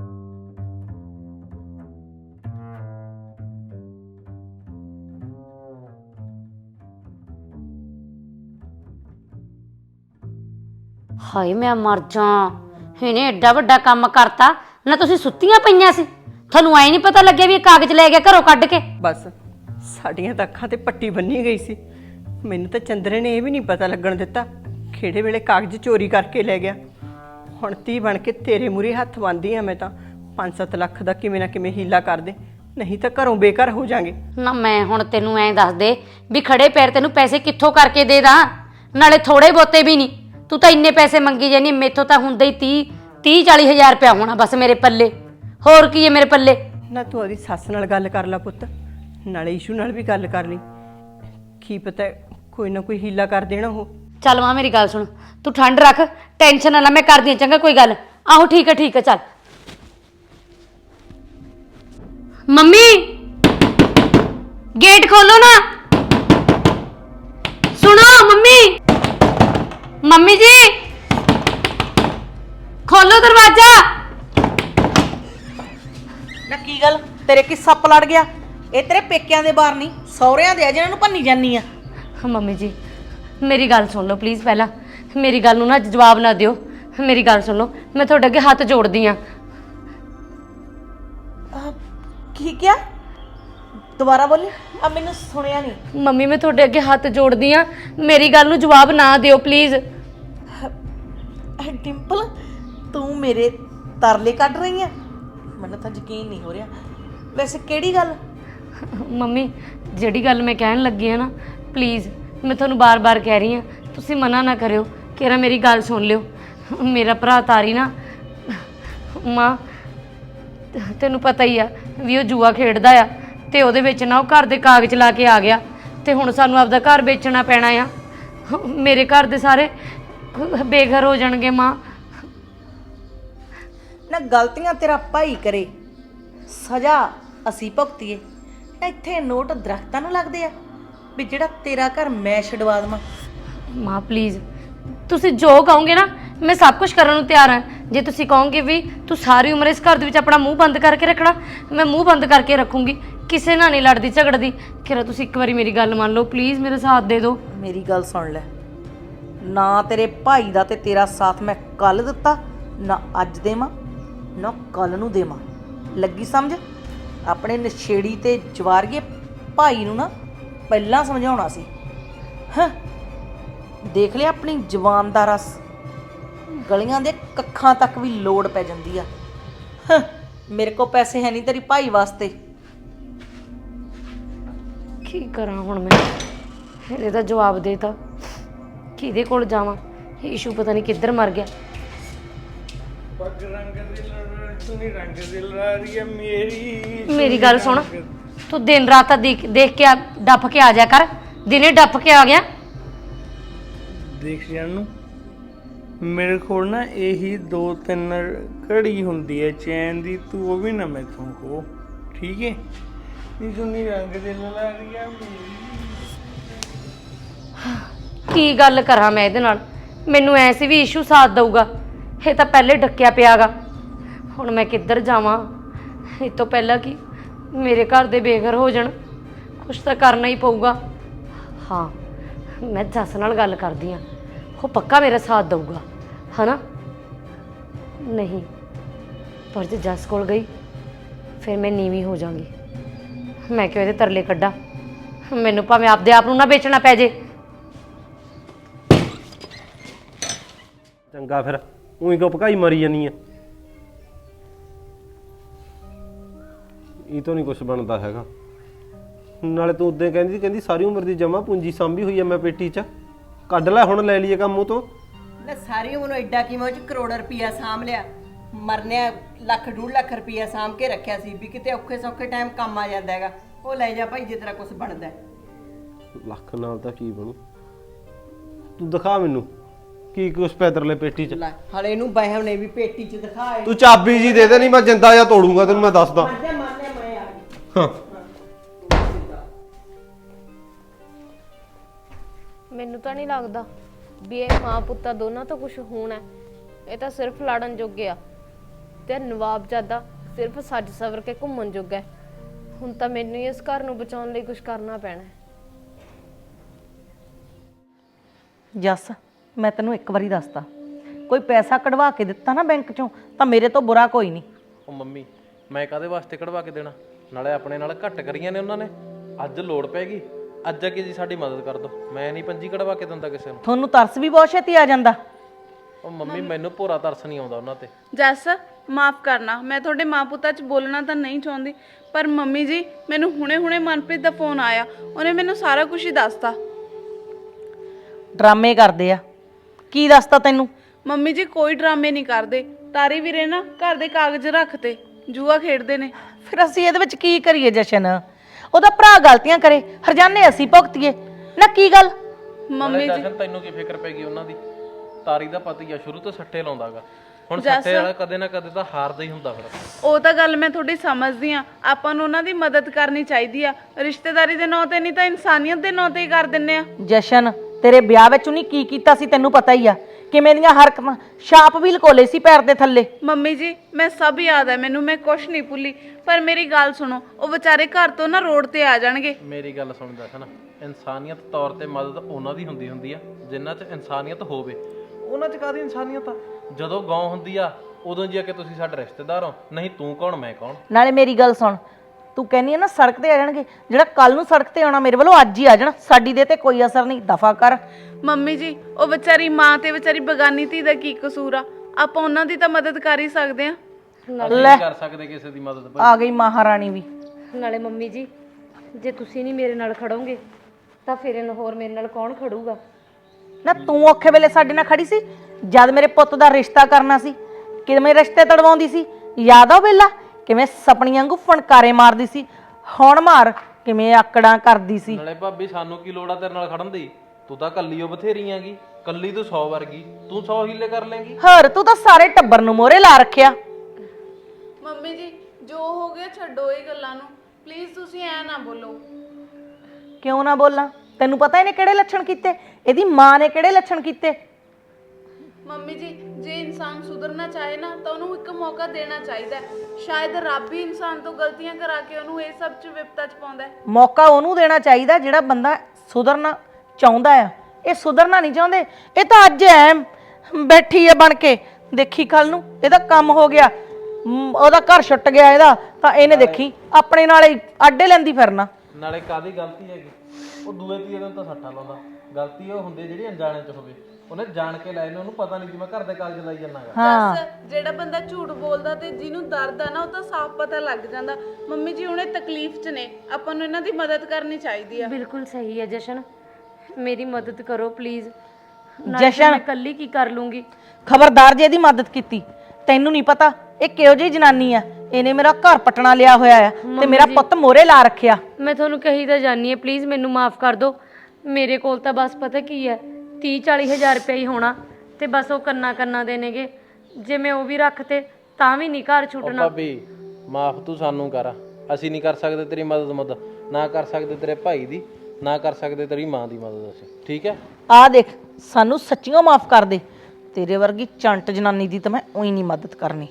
Speaker 5: ਹਾਏ ਮੈਂ ਮਰ ਜਾ, ਇਹਨੇ ਐਡਾ ਵੱਡਾ ਕੰਮ ਕਰਤਾ ਨਾ। ਤੁਸੀਂ ਸੁੱਤੀਆਂ ਪਈਆਂ ਸੀ, ਤੁਹਾਨੂੰ ਐ ਨਹੀਂ ਪਤਾ ਲੱਗਿਆ ਵੀ ਇਹ ਕਾਗਜ਼ ਲੈ ਗਿਆ ਘਰੋਂ ਕੱਢ ਕੇ?
Speaker 4: ਬਸ ਸਾਡੀਆਂ ਤਾਂ ਅੱਖਾਂ ਤੇ ਪੱਟੀ ਬੰਨੀ ਗਈ ਸੀ। ਮੈਨੂੰ ਤਾਂ ਚੰਦਰੇ ਨੇ ਇਹ ਵੀ ਨਹੀਂ ਪਤਾ ਲੱਗਣ ਦਿੱਤਾ ਕਿਹੜੇ ਵੇਲੇ ਕਾਗਜ਼ ਚੋਰੀ ਕਰਕੇ ਲੈ ਗਿਆ। ਹੁਣ ਤੀ ਬਣ ਕੇ ਤੇਰੇ ਮੂਰੇ ਹੱਥ ਬੰਨ੍ਹਦੀ ਆ ਮੈਂ ਤਾਂ। ਪੰਜ ਸੱਤ ਲੱਖ ਦਾ ਕਿਵੇਂ ਨਾ ਕਿਵੇਂ ਹੀਲਾ ਕਰ ਦੇ, ਨਹੀਂ ਤਾਂ ਘਰੋਂ ਬੇਘਰ ਹੋ ਜਾਾਂਗੇ।
Speaker 5: ਨਾ ਮੈਂ ਹੁਣ ਤੈਨੂੰ ਐਂ ਦੱਸ ਦੇ ਵੀ ਖੜੇ ਪੈਰ ਤੈਨੂੰ ਪੈਸੇ ਕਿੱਥੋਂ ਕਰਕੇ ਦੇ ਦਾਂ? ਨਾਲੇ ਥੋੜੇ ਬੋਤੇ ਵੀ ਨਹੀਂ, ਤੂੰ ਤਾਂ ਇੰਨੇ ਪੈਸੇ ਮੰਗੀ ਜਾਨੀ। ਮੇਥੋਂ ਤਾਂ ਹੁੰਦੇ ਹੀ ਤੀਹ ਤੀਹ ਚਾਲੀ ਹਜ਼ਾਰ ਰੁਪਇਆ ਹੋਣਾ ਬਸ ਮੇਰੇ ਪੱਲੇ, ਹੋਰ ਕੀ ਹੈ ਮੇਰੇ ਪੱਲੇ?
Speaker 4: ਨਾ ਤੂੰ ਉਹਦੀ ਸੱਸ ਨਾਲ ਗੱਲ ਕਰ ਲੈ ਪੁੱਤ, ਨਾਲੇ ਈਸ਼ੂ ਨਾਲ ਵੀ ਗੱਲ ਕਰ ਲਈ। ਕੀ ਪਤਾ ਕੋਈ ਨਾ ਕੋਈ ਹੀਲਾ ਕਰ ਦੇਣਾ ਉਹ।
Speaker 5: ਚੱਲ ਮਾਂ ਮੇਰੀ ਗੱਲ ਸੁਣ, ਤੂੰ ਠੰਡ ਰੱਖ, ਟੈਨਸ਼ਨ ਨਾ ਲੈ, ਮੈਂ ਕਰਦੀ ਹਾਂ ਚੰਗਾ ਕੋਈ ਗੱਲ। ਆਹੋ ਠੀਕ ਹੈ ਠੀਕ ਹੈ ਚੱਲ। ਮੰਮੀ ਗੇਟ ਖੋਲੋ ਨਾ, ਸੁਣੋ ਮੰਮੀ। ਮੰਮੀ ਜੀ ਖੋਲੋ ਦਰਵਾਜ਼ਾ।
Speaker 1: ਨਾ ਕੀ ਗੱਲ ਤੇਰੇ ਕੀ ਸੱਪ ਲੜ ਗਿਆ? ਇਹ ਤੇਰੇ ਪੇਕਿਆਂ ਦੇ ਬਾਹਰ ਨਹੀਂ ਸਹੁਰਿਆਂ ਦੇ ਆ ਜਿਹਨਾਂ ਨੂੰ ਭੰਨੀ ਜਾਨੀ ਆ।
Speaker 5: ਮੰਮੀ ਜੀ ਮੇਰੀ ਗੱਲ ਸੁਣ ਲਓ ਪਲੀਜ਼, ਪਹਿਲਾਂ ਮੇਰੀ ਗੱਲ ਨੂੰ ਨਾ ਜਵਾਬ ਨਾ ਦਿਓ। ਮੇਰੀ ਗੱਲ ਸੁਣ ਲਓ, ਮੈਂ ਤੁਹਾਡੇ ਅੱਗੇ ਹੱਥ ਜੋੜਦੀ ਆ।
Speaker 1: ਕੀ ਕਿਹਾ? ਦੁਬਾਰਾ ਬੋਲੀ, ਆ ਮੈਨੂੰ ਸੁਣਿਆ ਨਹੀਂ।
Speaker 5: ਮੰਮੀ ਮੈਂ ਤੁਹਾਡੇ ਅੱਗੇ ਹੱਥ ਜੋੜਦੀ ਆ, ਮੇਰੀ ਗੱਲ ਨੂੰ ਜਵਾਬ ਨਾ ਦਿਓ ਪਲੀਜ਼।
Speaker 1: ਡਿੰਪਲ ਤੂੰ ਮੇਰੇ ਤਰਲੇ ਕੱਢ ਰਹੀ ਆ? ਮੈਨੂੰ ਤਾਂ ਯਕੀਨ ਨਹੀਂ ਹੋ ਰਿਹਾ। ਵੈਸੇ ਕਿਹੜੀ ਗੱਲ?
Speaker 5: ਮੰਮੀ ਜਿਹੜੀ ਗੱਲ ਮੈਂ ਕਹਿਣ ਲੱਗੀ ਆ ਨਾ, ਪਲੀਜ਼ ਮੈਂ ਤੁਹਾਨੂੰ ਬਾਰ-ਬਾਰ ਕਹਿ ਰਹੀ ਆ, ਤੁਸੀਂ ਮਨਾ ਨਾ ਕਰਿਓ। ਕਿਹੜਾ ਮੇਰੀ ਗੱਲ ਸੁਣ ਲਿਓ। ਮੇਰਾ ਭਰਾ ਤਾਰੀ ਨਾ ਮਾਂ, ਤੈਨੂੰ ਪਤਾ ਹੀ ਆ ਵੀ ਉਹ ਜੂਆ ਖੇਡਦਾ ਆ ਤੇ ਉਹਦੇ ਵਿੱਚ ਨਾ ਉਹ ਘਰ ਦੇ ਕਾਗਜ਼ ਲਾ ਕੇ ਆ ਗਿਆ ਤੇ ਹੁਣ ਸਾਨੂੰ ਆਪਦਾ ਘਰ ਵੇਚਣਾ ਪੈਣਾ ਆ। ਮੇਰੇ ਘਰ ਦੇ ਸਾਰੇ ਬੇਘਰ ਹੋ ਜਾਣਗੇ ਮਾਂ।
Speaker 1: ਨਾ ਗਲਤੀਆਂ ਤੇਰਾ ਭਾਈ ਕਰੇ, ਸਜ਼ਾ ਅਸੀਂ ਭੁਗਤੀਏ। ਨਾ ਇੱਥੇ ਨੋਟ ਦਰਖਤਾਂ ਨੂੰ ਲੱਗਦੇ ਆ ਵੀ ਜਿਹੜਾ ਤੇਰਾ ਘਰ ਮੈਂ ਛਡਵਾ ਦੇਵਾਂ।
Speaker 5: ਮਾਂ ਪਲੀਜ਼ ਤੁਸੀਂ ਜੋ ਕਹੋਗੇ ਨਾ ਮੈਂ ਸਭ ਕੁਝ ਕਰਨ ਨੂੰ ਤਿਆਰ ਹਾਂ। ਜੇ ਤੁਸੀਂ ਕਹੋਗੇ ਵੀ ਤੂੰ ਸਾਰੀ ਉਮਰ ਇਸ ਘਰ ਦੇ ਵਿੱਚ ਆਪਣਾ ਮੂੰਹ ਬੰਦ ਕਰਕੇ ਰੱਖਣਾ, ਮੈਂ ਮੂੰਹ ਬੰਦ ਕਰਕੇ ਰੱਖੂੰਗੀ, ਕਿਸੇ ਨਾਲ ਨਹੀਂ ਲੜਦੀ ਝਗੜਦੀ। ਕਿਰਾ ਤੁਸੀਂ ਇੱਕ ਵਾਰੀ ਮੇਰੀ ਗੱਲ ਮੰਨ ਲਓ ਪਲੀਜ਼, ਮੇਰਾ ਸਾਥ ਦੇ ਦਿਓ।
Speaker 1: ਮੇਰੀ ਗੱਲ ਸੁਣ ਲੈ, ਨਾ ਤੇਰੇ ਭਾਈ ਦਾ ਤੇ ਤੇਰਾ ਸਾਥ ਮੈਂ ਕੱਲ ਦਿੱਤਾ, ਨਾ ਅੱਜ ਦੇਵਾਂ, ਨਾ ਕੱਲ ਨੂੰ ਦੇਵਾਂ। ਲੱਗੀ ਸਮਝ? ਆਪਣੇ ਨਸ਼ੇੜੀ ਤੇ ਜਵਾਰੀਏ ਭਾਈ ਨੂੰ ਨਾ ਪਹਿਲਾਂ ਸਮਝਾਉਣਾ ਸੀ। ਹਾਂ ਦੇਖ ਲਿਆ ਆਪਣੀ ਜ਼ੁਬਾਨ ਦਾ ਰਸ, ਗਲੀਆਂ ਦੇ ਕੱਖਾਂ ਤੱਕ ਵੀ ਲੋੜ ਪੈ ਜਾਂਦੀ ਆ। ਹਾਂ ਮੇਰੇ ਕੋਲ ਪੈਸੇ ਹੈ ਨਹੀਂ ਤੇਰੀ ਭਾਈ ਵਾਸਤੇ।
Speaker 5: ਕੀ ਕਰਾਂ ਹੁਣ ਮੈਂ? ਇਹਦੇ ਤਾਂ ਜਵਾਬ ਦੇਤਾ, ਕਿਹਦੇ ਕੋਲ ਜਾਵਾਂ? ਈਸ਼ੂ ਪਤਾ ਨਹੀਂ ਕਿੱਧਰ ਮਰ ਗਿਆ।
Speaker 6: ਪੱਗ ਰੰਗ ਦੀ ਲੜ ਸੁਣੀ ਰੰਗ ਦੀ ਲੜਾਰੀ ਮੇਰੀ।
Speaker 5: ਮੇਰੀ ਗੱਲ ਸੁਣ, ਤੂੰ ਦਿਨ ਰਾਤ ਤਾਂ ਦੇਖ ਦੇਖ ਕੇ ਆ- ਡੱਫ ਕੇ ਆ ਜਾ ਕਰ। ਦਿਨੇ ਡੱਫ ਕੇ ਆ ਗਿਆ।
Speaker 6: ਦੇਖ ਜਾਨੂੰ ਮੇਰੇ ਕੋਲ ਨਾ ਇਹੀ ਦੋ ਤਿੰਨ ਘੜੀ ਹੁੰਦੀ ਹੈ ਚੈਨ ਦੀ, ਤੂੰ ਉਹ ਵੀ ਨਾ ਮੈਥੋਂ ਖੋ, ਠੀਕ ਹੈ? ਨੀ ਸੁਣੀ ਰੰਗ ਦੇ ਲਲਾਰੀਆਂ ਮੇਰੀ।
Speaker 5: ਕੀ ਗੱਲ ਕਰਾਂ ਮੈਂ ਇਹਦੇ ਨਾਲ? ਮੈਨੂੰ ਐ ਸੀ ਵੀ ਇਸ਼ੂ ਸਾਥ ਦਊਗਾ, ਇਹ ਤਾਂ ਪਹਿਲੇ ਡੱਕਿਆ ਪਿਆਗਾ। ਹੁਣ ਮੈਂ ਕਿੱਧਰ ਜਾਵਾਂ? ਇਹ ਤੋਂ ਪਹਿਲਾਂ ਕਿ ਮੇਰੇ ਘਰ ਦੇ ਬੇਘਰ ਹੋ ਜਾਣ, ਕੁਛ ਤਾਂ ਕਰਨਾ ਹੀ ਪਊਗਾ। ਹਾਂ, ਮੈਂ ਜੱਸ ਨਾਲ ਗੱਲ ਕਰਦੀ ਆ, ਉਹ ਪੱਕਾ ਮੇਰਾ ਸਾਥ ਦਊਗਾ, ਹਨਾ? ਨਹੀਂ, ਪਰ ਜੇ ਜੱਸ ਕੋਲ ਗਈ ਫਿਰ ਮੈਂ ਨੀਵੀਂ ਹੋ ਜਾਵਾਂਗੀ। ਮੈਂ ਕਿਉਂ ਇਹਦੇ ਤਰਲੇ ਕੱਢਾਂ? ਮੈਨੂੰ ਭਾਵੇਂ ਆਪਦੇ ਆਪ ਨੂੰ ਨਾ ਵੇਚਣਾ ਪੈ ਜੇ।
Speaker 8: ਚੰਗਾ ਫਿਰ ਉਹੀ ਕੋ ਭਕਾਈ ਮਰੀ ਜਾਨੀ ਆ। ਇਹ ਤੋਂ ਨਹੀਂ ਕੁਝ ਬਣਦਾ ਹੈਗਾ। ਨਾਲੇ ਤੂੰ ਉਦੋਂ ਕਹਿੰਦੀ ਕਹਿੰਦੀ ਸਾਰੀ ਉਮਰ ਦੀ ਜਮਾ ਪੂੰਜੀ ਸਾਂਭੀ ਹੋਈ ਆ ਮੈਂ ਪੇਟੀ 'ਚ, ਕੱਢ ਲੈ ਹੁਣ, ਲੈ ਲਈਏ ਕੰਮ ਉਹ ਤੋਂ।
Speaker 4: ਲੈ ਸਾਰੀ ਉਮਰ ਐਡਾ ਕੀ ਮੈਂ ਉਹ 'ਚ ਕਰੋੜ ਰੁਪਈਆ ਸਾਂਭ ਲਿਆ, ਮਰਨਿਆ ਲੱਖ ਡੂਢ ਲੱਖ ਰੁਪਈਆ ਸਾਂਭ ਕੇ ਰੱਖਿਆ ਸੀ ਵੀ ਕਿਤੇ ਔਖੇ ਸੌਖੇ ਟਾਈਮ ਕੰਮ ਆ ਜਾਂਦਾ ਹੈਗਾ। ਉਹ ਲੈ ਜਾ ਭਾਈ ਜੇ ਤੇਰਾ ਕੁਝ ਬਣਦਾ।
Speaker 8: ਲੱਖ ਨਾਲ ਤਾਂ ਕੀ ਬਣੂ? ਤੂੰ ਦਿਖਾ ਮੈਨੂੰ ਕੀ ਕੁਛ ਪੈਦਰਲੇ ਪੇਟੀ 'ਚ।
Speaker 4: ਲੈ ਹਲੇ ਇਹਨੂੰ ਬਹਿਮ ਨੇ ਵੀ ਪੇਟੀ 'ਚ ਦਿਖਾਏ।
Speaker 8: ਤੂੰ ਚਾਬੀ ਜੀ ਦੇ ਦੇ, ਨਹੀਂ ਮੈਂ ਜਿੰਦਾ ਜਾਂ ਤੋੜੂੰਗਾ ਤੈਨੂੰ, ਮੈਂ ਦੱਸਦਾ।
Speaker 4: ਮਾਰਦੇ ਮਾਰਦੇ ਮੈਂ ਆ ਗਈ।
Speaker 8: ਹਾਂ
Speaker 2: ਮੈਨੂੰ ਤਾਂ ਨਹੀਂ ਲੱਗਦਾ ਵੀ ਇਹ ਮਾਂ ਪੁੱਤਾਂ ਦੋਨਾਂ ਤੋਂ ਕੁਝ ਹੋਣਾ। ਇਹ ਤਾਂ ਸਿਰਫ ਲੜਨ ਜੋਗੇ ਆ ਤੇ ਨਵਾਬਜ਼ਾਦਾ ਸਿਰਫ ਸੱਜ ਸਵਰ ਕੇ ਘੁੰਮਣ ਜੋਗਾ ਹੈ। ਹੁਣ ਤਾਂ ਮੈਨੂੰ ਹੀ ਇਸ ਘਰ ਨੂੰ ਬਚਾਉਣ ਲਈ ਕੁਝ ਕਰਨਾ ਪੈਣਾ ਹੈ।
Speaker 1: ਜੱਸ, ਮੈਂ ਤੈਨੂੰ ਇੱਕ ਵਾਰੀ ਦੱਸਦਾ, ਕੋਈ ਪੈਸਾ ਕਢਵਾ ਕੇ ਦਿੱਤਾ ਨਾ ਬੈਂਕ ਚੋਂ ਤਾਂ ਮੇਰੇ ਤੋਂ ਬੁਰਾ ਕੋਈ ਨਹੀਂ।
Speaker 7: ਉਹ ਮੰਮੀ, ਮੈਂ ਕਾਦੇ ਵਾਸਤੇ ਕਢਵਾ ਕੇ ਦੇਣਾ? ਨਾਲੇ ਆਪਣੇ ਨਾਲ ਘੱਟ ਕਰੀਆਂ ਨੇ ਉਹਨਾਂ ਨੇ, ਅੱਜ ਲੋੜ ਪੈਗੀ ਅੱਜ ਆ ਕੇ ਜੀ ਸਾਡੀ ਮਦਦ ਕਰ ਦੋ। ਮੈਂ ਨਹੀਂ ਪੰਜੀ ਕਢਵਾ ਕੇ ਦਿੰਦਾ ਕਿਸੇ ਨੂੰ।
Speaker 1: ਤੁਹਾਨੂੰ ਤਰਸ ਵੀ ਬਹੁਤ ਛੇਤੀ ਆ ਜਾਂਦਾ।
Speaker 7: ਉਹ ਮੰਮੀ ਮੈਨੂੰ ਭੋਰਾ ਤਰਸ ਨਹੀਂ ਆਉਂਦਾ ਉਹਨਾਂ ਤੇ।
Speaker 3: ਜੱਸ ਮਾਫ ਕਰਨਾ, ਮੈਂ ਤੁਹਾਡੇ ਮਾਂ ਪੁੱਤਾਂ 'ਚ ਬੋਲਣਾ ਤਾਂ ਨਹੀਂ ਚਾਹੁੰਦੀ, ਪਰ ਮੰਮੀ ਜੀ ਮੈਨੂੰ ਹੁਣੇ-ਹੁਣੇ ਮਨਪ੍ਰੀਤ ਦਾ ਫੋਨ ਆਇਆ, ਉਹਨੇ ਮੈਨੂੰ ਸਾਰਾ ਕੁਝ ਹੀ ਦੱਸਤਾ।
Speaker 1: ਡਰਾਮੇ ਕਰਦੇ ਆ। ਕੀ ਦੱਸਤਾ ਤੈਨੂੰ?
Speaker 3: ਮੰਮੀ ਜੀ ਕੋਈ ਡਰਾਮੇ ਨਹੀਂ ਕਰਦੇ, ਤਾਰੀ ਵੀਰੇ ਨਾ ਘਰ ਦੇ ਕਾਗਜ਼ ਰੱਖਤੇ, ਜੂਆ ਖੇਡਦੇ ਨੇ।
Speaker 1: ਫਿਰ ਅਸੀਂ ਇਹਦੇ ਵਿੱਚ ਕੀ ਕਰੀਏ ਜਸ਼ਨ? ਉਹਦਾ ਭਰਾ ਗਲਤੀਆਂ ਕਰੇ, ਹਰਜਾਨੇ ਅਸੀਂ ਭੁਗਤੀਏ ਨਾ। ਕੀ ਗੱਲ
Speaker 3: ਮੰਮੀ ਜੀ
Speaker 7: ਜਸ਼ਨ ਤੈਨੂੰ ਕੀ ਫਿਕਰ ਪੈ ਗਈ ਉਹਨਾਂ ਦੀ? ਤਾਰੀ ਦਾ ਪਤੀ ਆ, ਸ਼ੁਰੂ ਤੋਂ ਸੱਟੇ ਲਾਉਂਦਾਗਾ। ਹੁਣ ਸੱਟੇ ਵਾਲਾ ਕਦੇ ਨਾ ਕਦੇ ਤਾਂ ਹਾਰਦਾ ਹੀ ਹੁੰਦਾ। ਫਿਰ
Speaker 3: ਉਹ ਤਾਂ ਗੱਲ ਮੈਂ ਤੁਹਾਡੀ ਸਮਝਦੀ ਆ, ਆਪਾਂ ਨੂੰ ਉਹਨਾਂ ਦੀ ਮਦਦ ਕਰਨੀ ਚਾਹੀਦੀ ਆ। ਰਿਸ਼ਤੇਦਾਰੀ ਦੇ ਨਾਂ ਤੇ ਨਹੀਂ ਤਾਂ ਇਨਸਾਨੀਅਤ ਦੇ ਨਾਂ ਤੇ ਹੀ ਕਰ ਦਿੰਨੇ ਆ।
Speaker 1: ਜਸ਼ਨ, ਤੇਰੇ ਵਿਆਹ ਵਿੱਚ ਉਹਨੇ ਕੀ ਕੀਤਾ ਸੀ ਤੈਨੂੰ ਪਤਾ ਹੀ ਆ। ਕਿਵੇਂ ਦੀਆਂ ਹਰਕਤਾਂ, ਛਾਪ ਵੀ ਲਕੋਲੇ ਸੀ ਪੈਰ ਦੇ ਥੱਲੇ।
Speaker 3: ਮੰਮੀ ਜੀ ਮੈਂ ਸਭ ਯਾਦ ਹੈ ਮੈਨੂੰ, ਮੈਂ ਕੁਛ ਨਹੀਂ ਭੁੱਲੀ। ਪਰ ਮੇਰੀ ਗੱਲ ਸੁਣੋ, ਉਹ ਵਿਚਾਰੇ ਘਰ ਤੋਂ ਨਾ ਰੋਡ ਤੇ ਆ ਜਾਣਗੇ।
Speaker 7: ਮੇਰੀ ਗੱਲ ਸੁਣ ਜਸ਼ਨ, ਇਨਸਾਨੀਅਤ ਤੌਰ ਤੇ ਮਦਦ ਉਹਨਾਂ ਦੀ ਹੁੰਦੀ ਹੁੰਦੀ ਆ ਜਿਨ੍ਹਾਂ 'ਚ ਇਨਸਾਨੀਅਤ ਹੋਵੇ। ਉਹਨਾਂ 'ਚ ਕਾਹਦੀ ਇਨਸਾਨੀਅਤ ਆ? ਜਦੋਂ ਗਾਂ ਹੁੰਦੀ ਆ ਉਦੋਂ ਜੀ ਆ ਕਿ ਤੁਸੀਂ ਸਾਡੇ ਰਿਸ਼ਤੇਦਾਰ ਹੋ, ਨਹੀਂ ਤੂੰ ਕੌਣ ਮੈਂ ਕੌਣ।
Speaker 1: ਨਾਲੇ ਮੇਰੀ ਗੱਲ ਸੁਣ, ਤੂੰ ਕਹਿੰਦੀ ਆ ਨਾ ਸੜਕ ਤੇ ਆ ਜਾਣਗੇ, ਜਿਹੜਾ ਕੱਲ ਨੂੰ ਸੜਕ ਤੇ ਆਉਣਾ ਮੇਰੇ ਵੱਲੋਂ ਅੱਜ ਹੀ ਆ ਜਾਣਾ, ਸਾਡੀ ਦੇ ਤੇ ਕੋਈ ਅਸਰ ਨਹੀਂ। ਦਫਾ ਕਰ।
Speaker 3: ਮੰਮੀ ਜੀ ਉਹ ਵਿਚਾਰੀ ਮਾਂ ਤੇ ਵਿਚਾਰੀ ਬਗਾਨੀ ਧੀ ਦਾ ਕੀ ਕਸੂਰ ਆ? ਆਪਾਂ ਉਹਨਾਂ ਦੀ ਤਾਂ ਮਦਦ ਕਰ ਹੀ ਸਕਦੇ ਆ।
Speaker 7: ਅਸੀਂ ਨਹੀਂ ਕਰ ਸਕਦੇ ਕਿਸੇ ਦੀ ਮਦਦ।
Speaker 1: ਆ ਗਈ ਮਹਾਰਾਣੀ ਵੀ।
Speaker 5: ਨਾਲੇ ਮੰਮੀ ਜੀ, ਜੇ ਤੁਸੀਂ ਨਹੀਂ ਮੇਰੇ ਨਾਲ ਖੜੋਗੇ ਤਾਂ ਫਿਰ ਇਹਨੂੰ ਹੋਰ ਮੇਰੇ ਨਾਲ ਕੌਣ ਖੜੂਗਾ?
Speaker 1: ਨਾ ਤੂੰ ਔਖੇ ਵੇਲੇ ਸਾਡੇ ਨਾਲ ਖੜੀ ਸੀ, ਜਦ ਮੇਰੇ ਪੁੱਤ ਦਾ ਰਿਸ਼ਤਾ ਕਰਨਾ ਸੀ। ਕਿਵੇਂ ਰਿਸ਼ਤੇ ਤੜਵਾਉਂਦੀ ਸੀ, ਯਾਦ ਆ ਉਹ ਵੇਲਾ? ਕਿਵੇਂ ਸਪਣੀਆਂ ਵਾਂਗੂ ਫਣਕਾਰੇ ਮਾਰਦੀ ਸੀ। ਹੁਣ ਮਾਰ ਕਿਵੇਂ ਆਕੜਾਂ ਕਰਦੀ ਸੀ।
Speaker 7: ਨਾਲੇ ਭਾਬੀ ਸਾਨੂੰ ਕੀ ਲੋੜ ਆ ਤੇਰੇ ਨਾਲ ਖੜਨ ਦੀ? ਤੂੰ ਤਾਂ ਕੱਲੀ ਓ ਬਥੇਰੀ ਆਂਗੀ, ਕੱਲੀ ਤੂੰ ਸੌ ਵਰਗੀ, ਤੂੰ ਸੌ ਹੀਲੇ ਕਰ ਲੇਂਗੀ।
Speaker 1: ਹਰ ਤੂੰ ਤਾਂ ਸਾਰੇ ਟੱਬਰ ਨੂੰ ਮੋਹਰੇ ਲਾ ਰੱਖਿਆ।
Speaker 3: ਮੰਮੀ ਜੀ ਜੋ ਹੋ ਗਿਆ ਛੱਡੋ ਇਹ ਗੱਲਾਂ ਨੂੰ, ਪਲੀਜ਼ ਤੁਸੀਂ ਐ ਨਾ ਬੋਲੋ।
Speaker 1: ਕਿਉਂ ਨਾ ਬੋਲਾਂ? ਤੈਨੂੰ ਪਤਾ ਇਹਨੇ ਕਿਹੜੇ ਲੱਛਣ ਕੀਤੇ, ਇਹਦੀ ਮਾਂ ਨੇ ਕਿਹੜੇ ਲੱਛਣ ਕੀਤੇ।
Speaker 3: ਮੰਮੀ ਜੀ ਜੇ ਇਨਸਾਨ ਸੁਧਰਨਾ ਚਾਹੇ ਨਾ ਤਾਂ ਉਹਨੂੰ ਇੱਕ ਮੌਕਾ ਦੇਣਾ ਚਾਹੀਦਾ ਹੈ। ਸ਼ਾਇਦ ਰੱਬ ਹੀ ਇਨਸਾਨ ਤੋਂ ਗਲਤੀਆਂ ਕਰਾ ਕੇ ਉਹਨੂੰ ਇਹ ਸਭ ਚ ਵਿਪਤਾ ਚ ਪਾਉਂਦਾ ਹੈ।
Speaker 1: ਮੌਕਾ ਉਹਨੂੰ ਦੇਣਾ ਚਾਹੀਦਾ ਜਿਹੜਾ ਬੰਦਾ ਸੁਧਰਨਾ ਚਾਹੁੰਦਾ ਆ। ਇਹ ਸੁਧਰਨਾ ਨਹੀਂ ਚਾਹੁੰਦੇ। ਇਹ ਤਾਂ ਅੱਜ ਐ ਬੈਠੀ ਆ ਬਣ ਕੇ, ਦੇਖੀ ਕੱਲ ਨੂੰ ਇਹਦਾ ਕੰਮ ਹੋ ਗਿਆ, ਮ, ਉਹਦਾ ਘਰ ਛੁੱਟ ਗਿਆ ਇਹਦਾ, ਤਾਂ ਇਹਨੇ ਦੇਖੀ ਆਪਣੇ ਨਾਲ ਹੀ ਆਡੇ ਲੈਂਦੀ ਫਿਰਨਾ।
Speaker 7: ਨਾਲੇ ਕਾਦੀ ਗਲਤੀ ਹੈਗੀ? ਉਹ ਦੂਏ ਤੀਏ ਦਿਨ ਤਾਂ ਸੱਟਾਂ ਲਾਉਂਦਾ। ਗਲਤੀ ਉਹ ਹੁੰਦੀ ਜਿਹੜੀ ਅਣਜਾਣੇ ਚ ਹੋਵੇ। ਉਹਨੇ ਜਾਣ ਕੇ ਲਾਏ ਨੇ, ਉਹਨੂੰ ਪਤਾ ਨਹੀਂ ਕਿ ਮੈਂ ਘਰ ਦੇ ਕਾਗਜ਼ ਲਾਈ ਜਾਣਾਗਾ।
Speaker 1: ਹਾਂ,
Speaker 3: ਜਿਹੜਾ ਬੰਦਾ ਝੂਠ ਬੋਲਦਾ ਤੇ ਜਿਹਨੂੰ ਦਰਦ ਆ ਨਾ ਉਹ ਤਾਂ ਸਾਫ਼ ਪਤਾ ਲੱਗ ਜਾਂਦਾ। ਮੰਮੀ ਜੀ ਹੁਣੇ ਤਕਲੀਫ 'ਚ ਨੇ, ਆਪਾਂ ਨੂੰ ਇਹਨਾਂ ਦੀ ਮਦਦ ਕਰਨੀ ਚਾਹੀਦੀ ਆ।
Speaker 5: ਬਿਲਕੁਲ ਸਹੀ ਹੈ ਜਸ਼ਨ, ਮੇਰੀ ਮਦਦ ਕਰੋ ਪਲੀਜ਼।
Speaker 1: ਜਸ਼ਨ
Speaker 5: ਮੈਂ ਇਕੱਲੀ ਕੀ ਕਰ ਲੂੰਗੀ?
Speaker 1: ਖਬਰਦਾਰ ਜੇ ਇਹਦੀ ਮਦਦ ਕੀਤੀ। ਤੈਨੂੰ ਨਹੀਂ ਪਤਾ ਇਹ ਕਿਹੋ ਜਿਹੀ ਜਨਾਨੀ ਆ। ਇਹਨੇ ਮੇਰਾ ਘਰ ਪਟਣਾ ਲਿਆ ਹੋਇਆ ਆ ਤੇ ਮੇਰਾ ਪੁੱਤ ਮੋਰੇ ਲਾ ਰੱਖਿਆ।
Speaker 5: ਮੈਂ ਤੁਹਾਨੂੰ ਕਹੀ ਤਾਂ ਜਾਨੀ ਹੈ, ਪਲੀਜ਼ ਮੈਨੂੰ ਮਾਫ ਕਰ ਦਿਓ। ਮੇਰੇ ਕੋਲ ਤਾਂ ਬਸ ਪਤਾ ਕੀ ਹੈ ਤੀਹ ਚਾਲੀ ਹਜ਼ਾਰ ਰੁਪਏ ਹੀ ਹੋਣਾ ਤੇ ਬਸ ਉਹ ਕੰਨਾ ਕੰਨਾ ਦੇ ਨੇਗੇ। ਜੇ ਮੈਂ ਉਹ ਵੀ ਰੱਖਤੇ ਤਾਂ ਵੀ ਨਹੀਂ ਘਰ
Speaker 7: ਉਹ
Speaker 5: ਛੁੱਟਣਾ।
Speaker 7: ਭਾਬੀ ਮਾਫ ਤੂੰ ਸਾਨੂੰ ਕਰ, ਅਸੀਂ ਨਹੀਂ ਕਰ ਸਕਦੇ ਤੇਰੀ ਮਦਦ ਮਦਦ ਨਾ ਕਰ ਸਕਦੇ ਤੇਰੇ ਭਾਈ ਦੀ, ਨਾ ਕਰ ਸਕਦੇ ਤੇਰੀ ਮਾਂ ਦੀ ਮਦਦ ਅਸੀਂ, ਠੀਕ ਹੈ?
Speaker 1: ਆ ਦੇਖ ਸਾਨੂੰ ਸੱਚੀਆਂ ਮਾਫ ਕਰ ਦੇ, ਤੇਰੇ ਵਰਗੀ ਚੰਟ ਜਨਾਨੀ ਦੀ ਤਾਂ ਮੈਂ ਉਹੀ ਨਹੀਂ ਮਦਦ ਕਰਨੀ।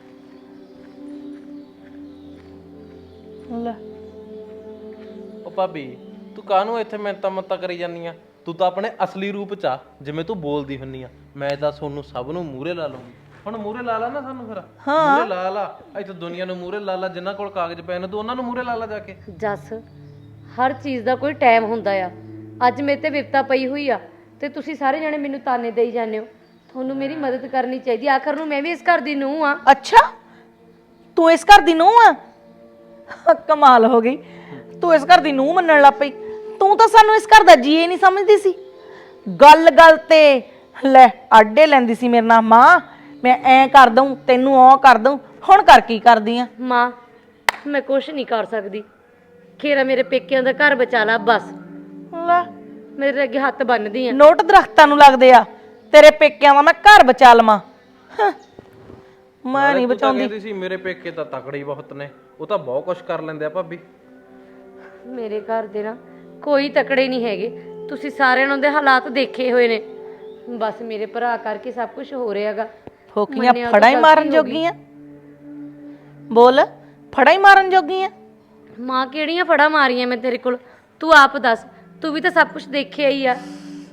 Speaker 1: ਲੈ
Speaker 7: ਉਹ ਭਾਬੀ ਤੂੰ ਕਾਹਨੂੰ ਇੱਥੇ ਮਿੰਤਾ ਮੱਤਾ ਕਰੀ ਜਾਂਦੀ ਆ? ਤੂੰ ਤਾਂ ਆਪਣੇ ਅਸਲੀ ਰੂਪ ਚ ਆ ਜਿਵੇਂ ਤੂੰ ਬੋਲਦੀ ਹੁੰਨੀ ਆ। ਮੈਂ ਤਾਂ ਤੁਹਾਨੂੰ ਸਭ ਨੂੰ ਮੂਹਰੇ ਲਾ ਲਵਾਂਗੀ। ਹੁਣ ਮੂਹਰੇ ਲਾ ਲਾ ਨਾ ਸਾਨੂੰ, ਫਿਰ ਮੂਹਰੇ ਲਾ ਲਾ, ਇੱਥੇ ਦੁਨੀਆ ਨੂੰ ਮੂਹਰੇ ਲਾ ਲਾ, ਜਿਨ੍ਹਾਂ ਕੋਲ ਕਾਗਜ਼ ਪਏ ਨੇ ਤੂੰ ਉਹਨਾਂ ਨੂੰ ਮੂਹਰੇ ਲਾ ਲਾ ਜਾ ਕੇ।
Speaker 5: ਜੱਸ ਹਰ ਚੀਜ਼ ਦਾ ਕੋਈ ਟਾਈਮ ਹੁੰਦਾ ਆ। ਅੱਜ ਮੇਰੇ ਤੇ ਵਿਪਤਾ ਪਈ ਹੋਈ ਆ ਤੇ ਤੁਸੀਂ ਸਾਰੇ ਜਣੇ ਮੈਨੂੰ ਤਾਨੇ ਦੇਈ ਜਾਂਦੇ ਹੋ। ਤੁਹਾਨੂੰ ਮੇਰੀ ਮਦਦ ਕਰਨੀ ਚਾਹੀਦੀ। ਆਖਰ ਨੂੰ ਮੈਂ ਵੀ ਇਸ ਘਰ ਦੀ ਨੂੰਹ ਆ।
Speaker 1: ਅੱਛਾ ਤੂੰ ਇਸ ਘਰ ਦੀ ਨੂੰਹ ਆ? ਕਮਾਲ ਹੋ ਗਈ, ਤੂੰ ਇਸ ਘਰ ਦੀ ਨੂੰਹ ਮੰਨਣ ਲੱਗ ਪਈ। ਤੂੰ ਤਾਂ ਸਾਨੂੰ ਇਸ ਘਰ ਦਾ ਜੀਏ ਨਹੀਂ ਸਮਝਦੀ ਸੀ। ਗੱਲ ਗੱਲ ਤੇ ਲੈ ਆਡੇ ਲੈਂਦੀ ਸੀ ਮੇਰੇ ਨਾਲ, ਮਾਂ ਮੈਂ ਐ ਕਰ ਦਊਂ ਤੈਨੂੰ ਉਹ ਕਰ ਦਊਂ। ਹੁਣ ਕਰ ਕੀ ਕਰਦੀ ਆ?
Speaker 5: ਮਾਂ ਮੈਂ ਕੁਛ ਨਹੀਂ ਕਰ ਸਕਦੀ। ਖੇਰਾ ਮੇਰੇ ਪੇਕਿਆਂ ਦਾ ਘਰ ਬਚਾ ਲਾ ਬਸ।
Speaker 1: ਲੈ
Speaker 5: ਮੇਰੇ ਅੱਗੇ ਹੱਥ ਬੰਨਦੀ ਆ।
Speaker 1: ਨੋਟ ਦਰਖਤਾਂ ਨੂੰ ਲੱਗਦੇ ਆ, ਤੇਰੇ ਪੇਕਿਆਂ ਦਾ ਮੈਂ ਘਰ ਬਚਾ ਲਵਾਂ। ਹਾਂ, ਮੈਂ ਨਹੀਂ
Speaker 7: ਤੂੰ ਤਾਂ
Speaker 1: ਬਚਾਉਂਦੀ।
Speaker 7: ਕਹਿੰਦੀ ਸੀ ਮੇਰੇ ਪੇਕੇ ਤਾਂ ਤਕੜੇ ਹੀ ਬਹੁਤ ਨੇ, ਉਹ ਤਾਂ ਬਹੁਤ ਕੁਝ ਕਰ ਲੈਂਦੇ ਆ ਭਾਬੀ।
Speaker 5: ਮੇਰੇ ਘਰ ਦੇ ਨਾ ਕੋਈ ਤਕੜੇ ਨਹੀਂ ਹੈਗੇ। ਤੁਸੀਂ ਸਾਰਿਆਂ ਦੇ ਹਾਲਾਤ ਦੇਖੇ ਹੋਏ ਨੇ। ਬਸ ਮੇਰੇ ਭਰਾ ਕਰਕੇ ਸਭ ਕੁਝ ਹੋ ਰਿਹਾਗਾ।
Speaker 1: ਫੋਕੀਆਂ ਫੜਾ ਹੀ ਮਾਰਨ ਜੋਗੀਆਂ? ਬੋਲ, ਫੜਾ ਹੀ ਮਾਰਨ ਜੋਗੀਆਂ?
Speaker 5: ਮਾਂ ਕਿਹੜੀਆਂ ਫੜਾ ਮਾਰੀਆਂ ਮੈਂ ਤੇਰੇ ਕੋਲ? ਤੂੰ ਆਪ ਦੱਸ, ਤੂੰ ਵੀ ਤਾਂ ਸਭ ਕੁਝ ਦੇਖਿਆ ਹੀ ਆ।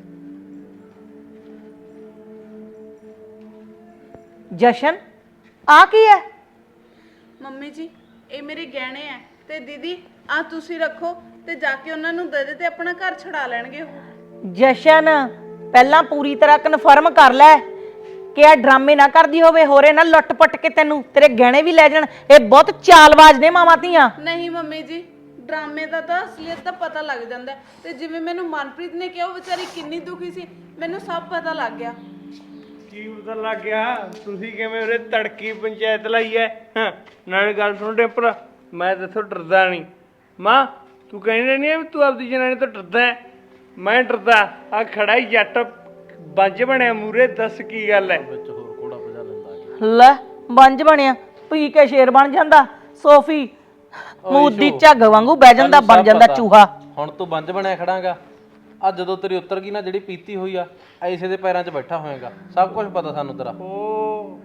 Speaker 1: ਜਸ਼ਨ ਆ ਕੀ ਹੈ?
Speaker 3: ਮੰਮੀ ਜੀ ਇਹ ਮੇਰੇ ਗਹਿਣੇ ਆ ਤੇ ਦੀਦੀ ਆ ਤੁਸੀਂ ਰੱਖੋ ਤੇ ਜਾ ਕੇ ਉਹਨਾਂ ਨੂੰ ਦੇ ਦੇ ਤੇ ਆਪਣਾ ਘਰ ਛੁਡਾ ਲੈਣਗੇ ਉਹ।
Speaker 1: ਜਸ਼ਨ ਪਹਿਲਾਂ ਪੂਰੀ ਤਰ੍ਹਾਂ ਕਨਫਰਮ ਕਰ ਲੈ ਕਿ ਆ ਡਰਾਮੇ ਨਾ ਕਰਦੀ ਹੋਵੇ, ਹੋਰੇ ਨਾ ਲੁੱਟ-ਪੱਟ ਕੇ ਤੈਨੂੰ ਤੇਰੇ ਗਹਿਣੇ ਵੀ ਲੈ ਜਾਣ। ਇਹ ਬਹੁਤ ਚਾਲਬਾਜ਼ ਨੇ ਮਾਵਾਂ ਧੀਆਂ।
Speaker 3: ਨਹੀਂ ਮੰਮੀ ਜੀ ਡਰਾਮੇ ਦਾ ਤਾਂ ਅਸਲੀਅਤ ਤਾਂ ਪਤਾ ਲੱਗ ਜਾਂਦਾ ਹੈ। ਤੇ ਜਿਵੇਂ ਮੈਨੂੰ ਮਨਪ੍ਰੀਤ ਨੇ ਕਿਹਾ ਉਹ ਵਿਚਾਰੀ ਕਿੰਨੀ ਦੁਖੀ ਸੀ, ਮੈਨੂੰ ਸਭ ਪਤਾ ਲੱਗ ਗਿਆ।
Speaker 6: ਕੀ ਪਤਾ ਲੱਗ ਗਿਆ? ਤੁਸੀਂ ਕਿਵੇਂ ਉਰੇ ਤੜਕੀ ਪੰਚਾਇਤ ਲਾਈ ਐ? ਹਾਂ, ਨਾਲੇ ਗੱਲ ਸੁਣ ਟੈਂਪਰ, ਮੈਂ ਤੇਥੋਂ ਡਰਦਾ ਨਹੀਂ। ਮਾਂ ਤੂੰ ਕਹਿੰਦੀ ਨਹੀਂ ਵੀ ਤੂੰ ਆਪਦੀ ਜਨਾਨੀ ਤੋਂ ਡਰਦਾ ਹੈ? ਮੈਂ ਡਰਦਾ। ਆ ਖੜਾ ਹੀ ਜੱਟ ਬੰਜ ਬਣਿਆ ਮੂਰੇ, ਦੱਸ ਕੀ ਗੱਲ ਐ?
Speaker 7: ਵਿੱਚ ਹੋਰ ਘੋੜਾ ਭਜਾ ਲੈਂਦਾ।
Speaker 1: ਲੈ ਬੰਜ ਬਣਿਆ, ਪੀ ਕੇ ਸ਼ੇਰ ਬਣ ਜਾਂਦਾ। ਸੋਫੀ ਮੂਦੀ ਝੱਗ ਵਾਂਗੂ ਬਹਿ ਜਾਂਦਾ, ਬਣ ਜਾਂਦਾ ਚੂਹਾ।
Speaker 7: ਹੁਣ ਤੂੰ ਬੰਜ ਬਣਿਆ ਖੜਾਂਗਾ। ਆ ਜਦੋਂ ਤੇਰੀ ਉੱਤਰ ਗਈ ਨਾ ਜਿਹੜੀ ਪੀਤੀ ਹੋਈ ਆ, ਐਸੇ ਦੇ ਪੈਰਾਂ 'ਚ ਬੈਠਾ ਹੋਏਗਾ। ਸਭ ਕੁਝ ਪਤਾ ਸਾਨੂੰ ਤੇਰਾ।
Speaker 6: ਓ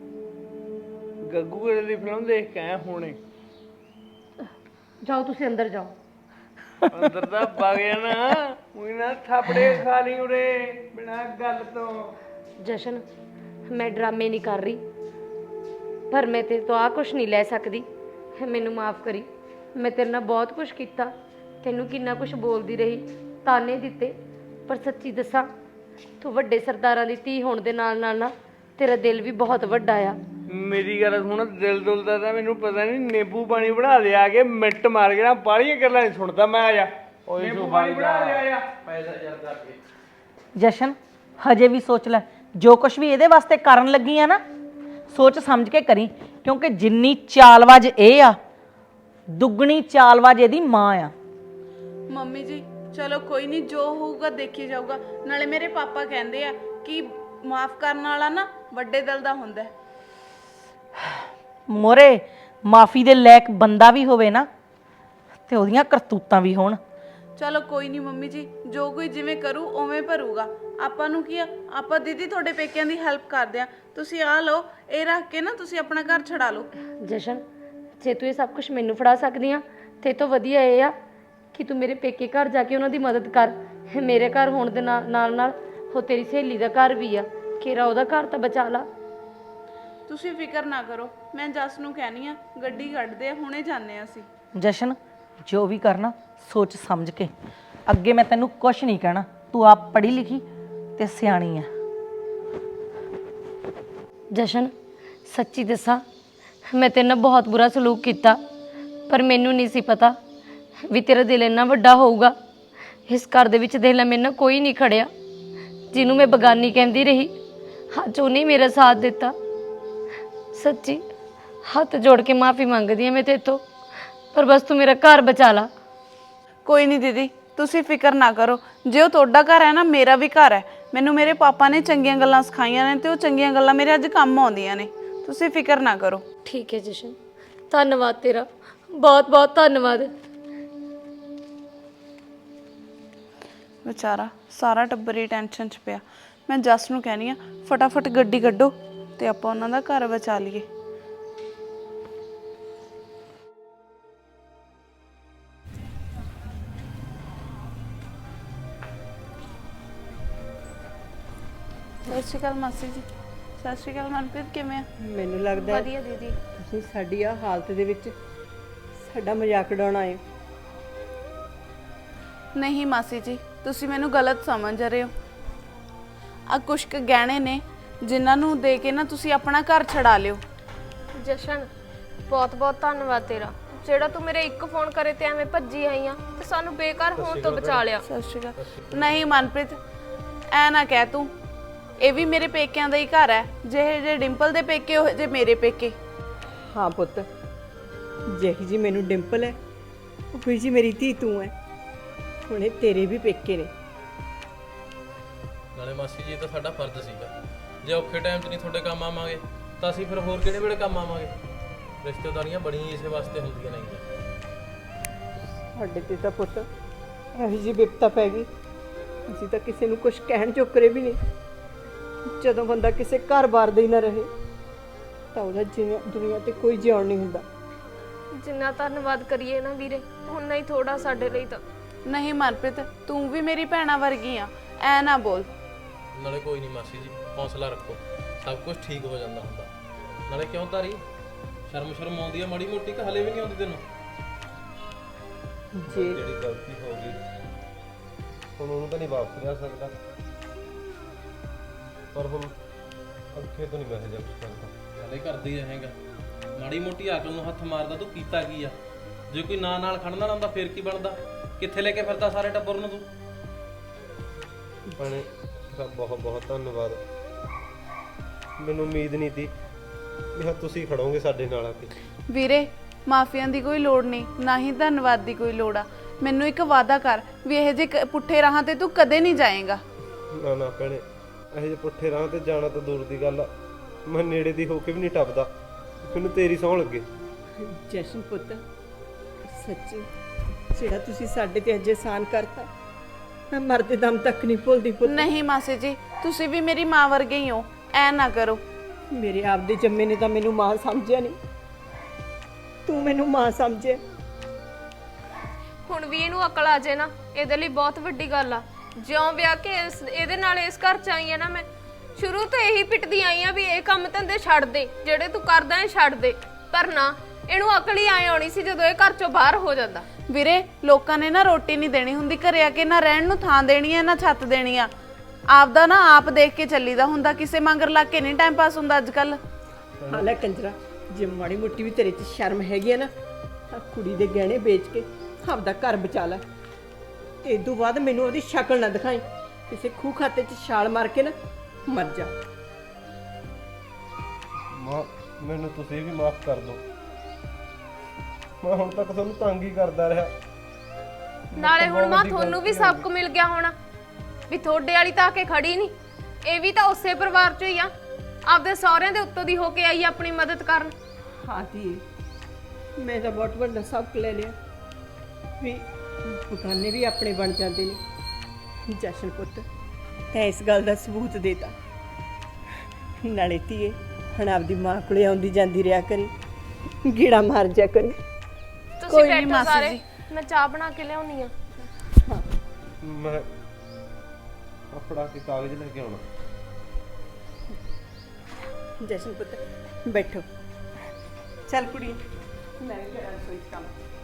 Speaker 6: ਗੱਗੂ ਦੀ ਫਿਲਮ ਦੇਖ ਕੇ ਆਇਆ ਹੁਣੇ।
Speaker 5: ਜਾਓ ਤੁਸੀਂ ਅੰਦਰ ਜਾਓ।
Speaker 6: ਅੰਦਰ ਦਾ ਵਗ ਜਾਣਾ, ਉਹੀ ਨਾ ਥਾਪੜੇ ਖਾ ਲਈ ਉਰੇ ਬਿਨਾਂ ਗੱਲ ਤੋਂ।
Speaker 5: ਜਸ਼ਨ ਮੈਂ ਡਰਾਮੇ ਨਹੀਂ ਕਰ ਰਹੀ, ਪਰ ਮੈਂ ਤੇਰੇ ਤੋਂ ਆ ਕੁਛ ਨਹੀਂ ਲੈ ਸਕਦੀ। ਮੈਨੂੰ ਮਾਫ ਕਰੀ। ਮੈਂ ਤੇਰੇ ਨਾਲ ਬਹੁਤ ਕੁਛ ਕੀਤਾ, ਤੈਨੂੰ ਕਿੰਨਾ ਕੁਛ ਬੋਲਦੀ ਰਹੀ, ਤਾਨੇ ਦਿੱਤੇ, ਪਰ ਸੱਚੀ ਦੱਸਾਂ ਤੂੰ ਵੱਡੇ ਸਰਦਾਰਾਂ ਦੀ ਧੀ ਹੋਣ ਦੇ ਨਾਲ ਨਾਲ ਨਾ ਤੇਰਾ ਦਿਲ ਵੀ ਬਹੁਤ ਵੱਡਾ ਆ।
Speaker 6: ਮੇਰੀ ਗੱਲ ਸੁਣ, ਦਿਲ ਦੁਲ ਦਾ ਤਾਂ ਮੈਨੂੰ ਪਤਾ ਨਹੀਂ, ਨਿੰਬੂ ਪਾਣੀ ਬਣਾ ਲਿਆ ਕੇ ਮਿੰਟ ਮਾਰ ਕੇ ਨਾ ਬਾਹਲੀਆਂ ਗੱਲਾਂ ਨਹੀਂ ਸੁਣਦਾ ਮੈਂ। ਆ ਜਾ ਨਿੰਬੂ ਪਾਣੀ ਬਣਾ ਲਿਆ ਜਾ
Speaker 7: ਪੈਸਾ ਜਰਦਾ ਕੇ।
Speaker 1: ਜਸ਼ਨ ਹਜੇ ਵੀ ਸੋਚ ਲੈ, ਜੋ ਕੁਝ ਵੀ ਇਹਦੇ ਵਾਸਤੇ ਕਰਨ ਲੱਗੀ ਆ ਨਾ, ਸੋਚ ਸਮਝ ਕੇ ਕਰੀ, ਕਿਉਂਕਿ ਜਿੰਨੀ ਚਾਲਬਾਜ਼ ਇਹ ਆ, ਦੁੱਗਣੀ ਚਾਲਬਾਜ਼ ਇਹਦੀ ਮਾਂ ਆ।
Speaker 3: ਮੰਮੀ ਜੀ ਚਲੋ ਕੋਈ ਨਹੀਂ, ਜੋ ਹੋਊਗਾ ਦੇਖੀ ਜਾਊਗਾ। ਨਾਲੇ ਮੇਰੇ ਪਾਪਾ ਕਹਿੰਦੇ ਆ ਕਿ ਮਾਫ ਕਰਨ ਵਾਲਾ ਨਾ ਵੱਡੇ ਦਿਲ ਦਾ ਹੁੰਦਾ ਹੈ।
Speaker 1: ਮੋਰੇ ਮਾਫੀ ਦੇ ਲਾਇਕ ਬੰਦਾ ਵੀ ਹੋਵੇ ਨਾ, ਤੇ ਉਹਦੀਆਂ ਕਰਤੂਤਾਂ ਵੀ ਹੋਣ।
Speaker 3: ਚਲੋ ਕੋਈ ਨਹੀਂ ਮੰਮੀ ਜੀ, ਜੋ ਕੋਈ ਜਿਵੇਂ ਕਰੂ ਉਵੇਂ ਭਰੂਗਾ। ਆਪਾਂ ਨੂੰ ਕੀ ਆ, ਆਪਾਂ ਦੀਦੀ ਤੁਹਾਡੇ ਪੇਕਿਆਂ ਦੀ ਹੈਲਪ ਕਰਦੇ ਆ। ਤੁਸੀਂ ਆ ਲਓ, ਇਹ ਰੱਖ ਕੇ ਨਾ ਤੁਸੀਂ ਆਪਣਾ ਘਰ ਛਡਾ ਲਓ।
Speaker 5: ਜਸ਼ਨ ਜੇ ਤੂੰ ਇਹ ਸਭ ਕੁਝ ਮੈਨੂੰ ਫੜਾ ਸਕਦੀ ਆ ਤੇ ਇਹ ਤੋਂ ਵਧੀਆ ਇਹ ਆ ਕਿ ਤੂੰ ਮੇਰੇ ਪੇਕੇ ਘਰ ਜਾ ਕੇ ਉਹਨਾਂ ਦੀ ਮਦਦ ਕਰ। ਮੇਰੇ ਘਰ ਹੋਣ ਦੇ ਨਾਲ ਨਾਲ ਨਾਲ ਉਹ ਤੇਰੀ ਸਹੇਲੀ ਦਾ ਘਰ ਵੀ ਆ, ਖੇਰਾ ਉਹਦਾ ਘਰ ਤਾਂ ਬਚਾ ਲਾ।
Speaker 3: ਤੁਸੀਂ ਫਿਕਰ ਨਾ ਕਰੋ, ਮੈਂ ਜਸ ਨੂੰ ਕਹਿਣੀ ਆ ਗੱਡੀ ਕੱਢਦੇ ਆ, ਹੁਣੇ ਜਾਂਦੇ ਆ ਅਸੀਂ।
Speaker 1: ਜਸ਼ਨ ਜੋ ਵੀ ਕਰਨਾ ਸੋਚ ਸਮਝ ਕੇ। ਅੱਗੇ ਮੈਂ ਤੈਨੂੰ ਕੁਛ ਨਹੀਂ ਕਹਿਣਾ, ਤੂੰ ਆਪ ਪੜ੍ਹੀ ਲਿਖੀ ਤੇ ਸਿਆਣੀ ਆ।
Speaker 5: ਜਸ਼ਨ ਸੱਚੀ ਦੱਸਾਂ ਮੈਂ ਤੇਰੇ ਨਾਲ ਬਹੁਤ ਬੁਰਾ ਸਲੂਕ ਕੀਤਾ, ਪਰ ਮੈਨੂੰ ਨਹੀਂ ਸੀ ਪਤਾ ਵੀ ਤੇਰਾ ਦਿਲ ਇੰਨਾ ਵੱਡਾ ਹੋਊਗਾ। ਇਸ ਘਰ ਦੇ ਵਿੱਚ ਦੇਖ ਲੈ ਮੇਰੇ ਨਾਲ ਕੋਈ ਨਹੀਂ ਖੜਿਆ, ਜਿਹਨੂੰ ਮੈਂ ਬਗਾਨੀ ਕਹਿੰਦੀ ਰਹੀ, ਅੱਜ ਉਹਨੇ ਮੇਰਾ ਸਾਥ ਦਿੱਤਾ। ਸੱਚੀ ਹੱਥ ਜੋੜ ਕੇ ਮਾਫੀ ਮੰਗਦੀ ਹਾਂ ਮੈਂ ਤੇਰੇ ਤੋਂ, ਪਰ ਬਸ ਤੂੰ ਮੇਰਾ ਘਰ ਬਚਾ ਲਾ।
Speaker 3: ਕੋਈ ਨਹੀਂ ਦੀਦੀ, ਤੁਸੀਂ ਫਿਕਰ ਨਾ ਕਰੋ। ਜੇ ਉਹ ਤੁਹਾਡਾ ਘਰ ਹੈ ਨਾ, ਮੇਰਾ ਵੀ ਘਰ ਹੈ। ਮੈਨੂੰ ਮੇਰੇ ਪਾਪਾ ਨੇ ਚੰਗੀਆਂ ਗੱਲਾਂ ਸਿਖਾਈਆਂ ਨੇ ਤੇ ਉਹ ਚੰਗੀਆਂ ਗੱਲਾਂ ਮੇਰੇ ਅੱਜ ਕੰਮ ਆਉਂਦੀਆਂ ਨੇ। ਤੁਸੀਂ ਫਿਕਰ ਨਾ ਕਰੋ।
Speaker 5: ਠੀਕ ਹੈ ਜਸ਼ਨ, ਧੰਨਵਾਦ ਤੇਰਾ, ਬਹੁਤ ਬਹੁਤ ਧੰਨਵਾਦ।
Speaker 3: ਵਿਚਾਰਾ ਸਾਰਾ ਟੱਬਰ ਹੀ ਟੈਨਸ਼ਨ 'ਚ ਪਿਆ। ਮੈਂ ਜਸ ਨੂੰ ਕਹਿਣੀ ਆ ਫਟਾਫਟ ਗੱਡੀ ਕੱਢੋ ਤੇ ਆਪਾਂ ਉਹਨਾਂ ਦਾ ਘਰ ਬਚਾ ਲਈਏ। ਸਤਿ ਸ਼੍ਰੀ ਅਕਾਲ ਮਾਸੀ ਜੀ। ਸਤਿ ਸ਼੍ਰੀ ਅਕਾਲ ਮਨਪ੍ਰੀਤ, ਕਿਵੇਂ ਆ?
Speaker 4: ਮੈਨੂੰ ਲੱਗਦਾ ਹੈ
Speaker 2: ਵਧੀਆ ਦੀਦੀ।
Speaker 4: ਤੁਸੀਂ ਸਾਡੀ ਆ ਹਾਲਤ ਦੇ ਵਿੱਚ ਸਾਡਾ ਮਜ਼ਾਕ ਉਡਾਉਣਾ ਹੈ।
Speaker 3: ਨਹੀਂ ਮਾਸੀ ਜੀ, ਤੁਸੀਂ ਮੈਨੂੰ ਗਲਤ ਸਮਝ ਰਹੇ ਹੋ। ਆ ਕੁਛ ਕੁ ਗਹਿਣੇ ਨੇ ਜਿਨ੍ਹਾਂ ਨੂੰ ਦੇ ਕੇ ਨਾ ਤੁਸੀਂ ਆਪਣਾ ਘਰ ਛਡਾ ਲਿਓ।
Speaker 2: ਜਸ਼ਨ ਬਹੁਤ ਬਹੁਤ ਧੰਨਵਾਦ ਤੇਰਾ, ਜਿਹੜਾ ਤੂੰ ਮੇਰੇ ਇੱਕ ਫੋਨ ਕਰੇ ਤੇ ਐਵੇਂ ਭੱਜੀ ਆਈ ਆ ਤੇ ਸਾਨੂੰ ਬੇਕਾਰ ਹੋਣ ਤੋਂ ਬਚਾ ਲਿਆ।
Speaker 3: ਸਤਿ ਸ਼੍ਰੀ ਅਕਾਲ। ਨਹੀਂ ਮਨਪ੍ਰੀਤ, ਐ ਨਾ ਕਹਿ ਤੂੰ। ਇਹ ਵੀ ਮੇਰੇ ਪੇਕਿਆਂ ਦਾ ਹੀ ਘਰ ਹੈ। ਜਿਹੇ ਜੇ ਡਿੰਪਲ ਦੇ ਪੇਕੇ ਉਹ ਜੇ ਮੇਰੇ ਪੇਕੇ।
Speaker 4: ਹਾਂ ਪੁੱਤ, ਜਿਹੀ ਜੀ ਮੈਨੂੰ ਡਿੰਪਲ ਹੈ ਉਹੀ ਜੀ ਮੇਰੀ ਧੀ ਤੂੰ ਹੈ। ਹੁਣ ਇਹ ਤੇਰੇ ਵੀ ਪੇਕੇ ਨੇ।
Speaker 7: ਨਾਲੇ ਮਾਸੀ ਜੀ, ਇਹ ਤਾਂ ਸਾਡਾ ਫਰਜ਼ ਸੀਗਾ। ਜੇ ਔਖੇ ਟਾਈਮ 'ਚ ਨਹੀਂ ਤੁਹਾਡੇ ਕੰਮ ਆਵਾਂਗੇ ਤਾਂ ਅਸੀਂ ਫਿਰ ਹੋਰ ਕਿਹੜੇ ਵੇਲੇ ਕੰਮ ਆਵਾਂਗੇ? ਰਿਸ਼ਤੇਦਾਰੀਆਂ ਬੜੀਆਂ ਇਸੇ ਵਾਸਤੇ ਹੁੰਦੀਆਂ ਨੇ।
Speaker 4: ਸਾਡੇ ਤੇ ਤਾਂ ਪੁੱਤ ਇਹੋ ਜਿਹੀ ਵਿਪਤਾ ਪੈ ਗਈ, ਅਸੀਂ ਤਾਂ ਕਿਸੇ ਨੂੰ ਕੁਝ ਕਹਿਣ ਚੁੱਕਰੇ ਵੀ ਨਹੀਂ। ਜਦੋਂ ਬੰਦਾ ਕਿਸੇ ਘਰ-ਬਾਰ ਦੇ ਹੀ ਨਾ ਰਹੇ ਤਾਂ ਉਹਦਾ ਜਿਵੇਂ ਦੁਨੀਆ ਤੇ ਕੋਈ ਜਿਉਣ ਨਹੀਂ ਹੁੰਦਾ।
Speaker 2: ਜਿੰਨਾ ਧੰਨਵਾਦ ਕਰੀਏ ਨਾ ਵੀਰੇ, ਉਨਾ ਹੀ ਥੋੜਾ ਸਾਡੇ ਲਈ ਤਾਂ।
Speaker 3: ਨਹੀਂ ਮਨਪ੍ਰੀਤ, ਤੂੰ ਵੀ ਮੇਰੀ ਭੈਣਾ ਵਰਗੀ ਆ, ਐ ਨਾ ਬੋਲ।
Speaker 7: ਨਾਲੇ ਕੋਈ ਨਹੀਂ ਮਾਸੀ ਜੀ, ਹੌਸਲਾ ਰੱਖੋ, ਸਭ ਕੁਝ ਠੀਕ ਹੋ ਜਾਂਦਾ ਹੁੰਦਾ। ਨਾਲੇ ਕਿਉਂ ਤਾਰੀ ਸ਼ਰਮ ਸ਼ਰਮ ਆਉਂਦੀ ਆ ਮਾੜੀ ਮੋਟੀ, ਕਿ ਹਲੇ ਵੀ ਨਹੀਂ ਆਉਂਦੀ ਤੈਨੂੰ?
Speaker 4: ਜੇ
Speaker 8: ਜਿਹੜੀ ਗਲਤੀ ਹੋ ਗਈ ਹੁਣ ਉਹਨੂੰ ਤਾਂ ਨਹੀਂ ਵਾਪਸ ਲਿਆ ਸਕਦਾ, ਪਰ ਹੁਣ ਅੱਗੇ ਤੋਂ ਨਹੀਂ ਮੈਂ ਇਹ ਜਿਹਾ ਕੁਛ ਕਰਦਾ।
Speaker 7: ਹਲੇ ਕਰਦੀ ਰਹੇਗਾ। ਮਾੜੀ ਮੋਟੀ ਅਕਲ ਨੂੰ ਹੱਥ ਮਾਰਦਾ ਤੂੰ ਕੀਤਾ ਕੀ ਆ? ਜੇ ਕੋਈ ਨਾਂ ਨਾਲ ਖੜਨਾ ਨਾ ਹੁੰਦਾ ਫੇਰ ਕੀ ਬਣਦਾ? ਕਿੱਥੇ ਲੈ ਕੇ ਫਿਰਦਾ ਸਾਰੇ ਟੱਬਰ ਨੂੰ ਤੂੰ?
Speaker 8: ਭੈਣੇ ਸਭ ਬਹੁਤ ਬਹੁਤ ਧੰਨਵਾਦ। ਮੈਨੂੰ ਉਮੀਦ ਨਹੀਂ ਸੀ ਵੀ ਹਾਂ ਤੁਸੀਂ ਖੜੋਗੇ ਸਾਡੇ ਨਾਲ ਆ ਕੇ।
Speaker 3: ਵੀਰੇ, ਮਾਫੀਆਂ ਦੀ ਕੋਈ ਲੋੜ ਨਹੀਂ, ਨਾ ਹੀ ਧੰਨਵਾਦ ਦੀ ਕੋਈ ਲੋੜ ਆ। ਮੈਨੂੰ ਇੱਕ ਵਾਅਦਾ ਕਰ ਵੀ ਇਹ ਜੇ ਪੁੱਠੇ ਰਾਹਾਂ ਤੇ ਤੂੰ ਕਦੇ ਨਹੀਂ ਜਾਏਗਾ।
Speaker 8: ਨਾ ਨਾ ਭੈਣੇ, ਇਹੋ ਜਿਹੇ ਪੁੱਠੇ ਰਾਹ ਤੇ ਜਾਣਾ ਤਾਂ ਦੂਰ ਦੀ ਗੱਲ ਆ। ਮੈਂ ਨੇੜੇ ਦੀ ਹੋ ਕੇ ਵੀ ਨਹੀਂ ਟੱਪਦਾ। ਮੈਨੂੰ ਤੇਰੀ ਸਹੁੰ ਲੱਗੇ।
Speaker 4: ਜਸ਼ਨ ਪੁੱਤ, ਸੱਚੀ ਜਿਹੜਾ ਤੁਸੀਂ ਸਾਡੇ ਤੇ ਅੱਜ ਅਹਿਸਾਨ ਕਰਤਾ, ਮੈਂ ਮਰਦੇ ਦਮ ਤੱਕ ਨਹੀਂ ਭੁੱਲਦੀ ਪੁੱਤ।
Speaker 3: ਨਹੀਂ ਮਾਸੀ ਜੀ, ਤੁਸੀਂ ਵੀ ਮੇਰੀ ਮਾਂ ਵਰਗੇ ਹੀ ਹੋ, ਐ ਨਾ ਕਰੋ।
Speaker 4: ਮੇਰੇ ਆਪ ਦੇ ਜੰਮੇ ਨੇ ਤਾਂ ਮੈਨੂੰ ਮਾਂ ਸਮਝਿਆ ਨਹੀਂ, ਤੂੰ ਮੈਨੂੰ ਮਾਂ ਸਮਝਿਆ।
Speaker 2: ਹੁਣ ਵੀ ਇਹਨੂੰ ਅਕਲ ਆ ਜੇ ਨਾ, ਇਹਦੇ ਲਈ ਬਹੁਤ ਵੱਡੀ ਗੱਲ ਆ। ਜਿਉਂ ਵਿਆਹ ਕੇ ਇਸ ਇਹਦੇ ਨਾਲ ਇਸ ਘਰ ਚ ਆਈ ਆ ਨਾ, ਮੈਂ ਸ਼ੁਰੂ ਤੋਂ ਇਹੀ ਪਿੱਟਦੀ ਆਈ ਆ ਵੀ ਇਹ ਕੰਮ ਧੰਦੇ ਛੱਡ ਦੇ, ਜਿਹੜੇ ਤੂੰ ਕਰਦਾ ਹੈ ਛੱਡ ਦੇ। ਪਰ ਨਾ, ਇਹਨੂੰ ਅਕਲ ਹੀ ਆਏ ਆਉਣੀ ਸੀ ਜਦੋਂ ਇਹ ਘਰ ਚੋਂ ਬਾਹਰ ਹੋ ਜਾਂਦਾ।
Speaker 3: ਵੀਰੇ, ਲੋਕਾਂ ਨੇ ਨਾ ਰੋਟੀ ਨਹੀਂ ਦੇਣੀ ਹੁੰਦੀ ਘਰੇ ਆ ਕੇ, ਨਾ ਰਹਿਣ ਨੂੰ ਥਾਂ ਦੇਣੀ ਹੈ, ਨਾ ਛੱਤ ਦੇਣੀ ਆ। ਆਪਦਾ ਨਾ ਆਪ ਦੇਖ ਕੇ ਚੱਲੀਦਾ ਹੁੰਦਾ, ਕਿਸੇ ਮੰਗਰ ਲੱਗ ਕੇ ਨਹੀਂ ਟਾਈਮ ਪਾਸ ਹੁੰਦਾ ਅੱਜ ਕੱਲ।
Speaker 4: ਹਾਲੇ ਕੰਜਰਾ, ਜੇ ਮਾੜੀ ਮੋਟੀ ਵੀ ਤੇਰੇ 'ਚ ਸ਼ਰਮ ਹੈਗੀ ਆ ਨਾ, ਤਾਂ ਕੁੜੀ ਦੇ ਗਹਿਣੇ ਵੇਚ ਕੇ ਆਪਦਾ ਘਰ ਬਚਾ ਲੈ। ਤੇ ਇਸ ਤੋਂ ਬਾਅਦ ਮੈਨੂੰ ਉਹਦੀ ਸ਼ਕਲ ਨਾ ਦਿਖਾਈ, ਕਿਸੇ ਖੂਹ ਖਾਤੇ 'ਚ ਛਾਲ ਮਾਰ ਕੇ ਨਾ ਮਰ ਜਾ।
Speaker 8: ਮਾਂ, ਮੈਨੂੰ ਤੁਸੀਂ ਵੀ ਮਾਫ ਕਰ ਦਿਓ। ਮੈਂ ਹੁਣ ਤੱਕ ਤੁਹਾਨੂੰ ਤੰਗ ਹੀ ਕਰਦਾ ਰਿਹਾ।
Speaker 2: ਨਾਲੇ ਹੁਣ ਮਾਂ ਤੁਹਾਨੂੰ ਵੀ ਸਬਕ ਮਿਲ ਗਿਆ ਹੋਣਾ ਵੀ ਤੁਹਾਡੇ ਵਾਲੀ ਤਾਂ ਆ ਕੇ ਖੜੀ ਨਹੀਂ, ਇਹ ਵੀ ਤਾਂ ਉਸੇ ਪਰਿਵਾਰ ਚੋਂ ਹੀ ਆ, ਆਪਦੇ ਸਹੁਰਿਆਂ ਦੇ ਉੱਤੋਂ ਦੀ ਹੋ ਕੇ ਆਈ ਆਪਣੀ ਮਦਦ ਕਰਨ।
Speaker 4: ਹਾਂ ਧੀਏ, ਮੈਂ ਤਾਂ ਬਹੁਤ ਵੱਡਾ ਸਬਕ ਲੈ ਲਿਆ ਵੀ ਬਗਾਨੇ ਵੀ ਆਪਣੇ ਬਣ ਜਾਂਦੇ ਨੇ। ਜਸ਼ਨ ਪੁੱਤ, ਤੈਂ ਇਸ ਗੱਲ ਦਾ ਸਬੂਤ ਦੇਤਾ। ਨਾਲੇ ਧੀਏ, ਹੁਣ ਆਪਦੀ ਮਾਂ ਕੋਲੇ ਆਉਂਦੀ ਜਾਂਦੀ ਰਿਹਾ ਕਰੀ, ਗੀੜਾ ਮਾਰ ਜਾ ਕਰੀ।
Speaker 2: ਤੁਸੀਂ
Speaker 3: ਕੋਈ ਨੀ
Speaker 2: ਬੈਠੋ
Speaker 3: ਮਾਸੀ
Speaker 2: ਸਾਰੇ,
Speaker 3: ਜੀ।
Speaker 2: ਮੈਂ ਚਾਹ ਬਣਾ ਕੇ ਲਿਆਉਣੀ ਆ।
Speaker 8: ਮੈਂ ਆਪਣਾ ਕੇ ਕਾਗਜ਼ ਲੈ ਕੇ ਆਉਣਾ।
Speaker 4: ਜਸ਼ਨ ਪੁੱਤ ਬੈਠੋ। ਚੱਲ ਕੁੜੀ, ਮੈਂ ਵੀ ਕਰਾਂ ਰਸੋਈ 'ਚ ਕੰਮ।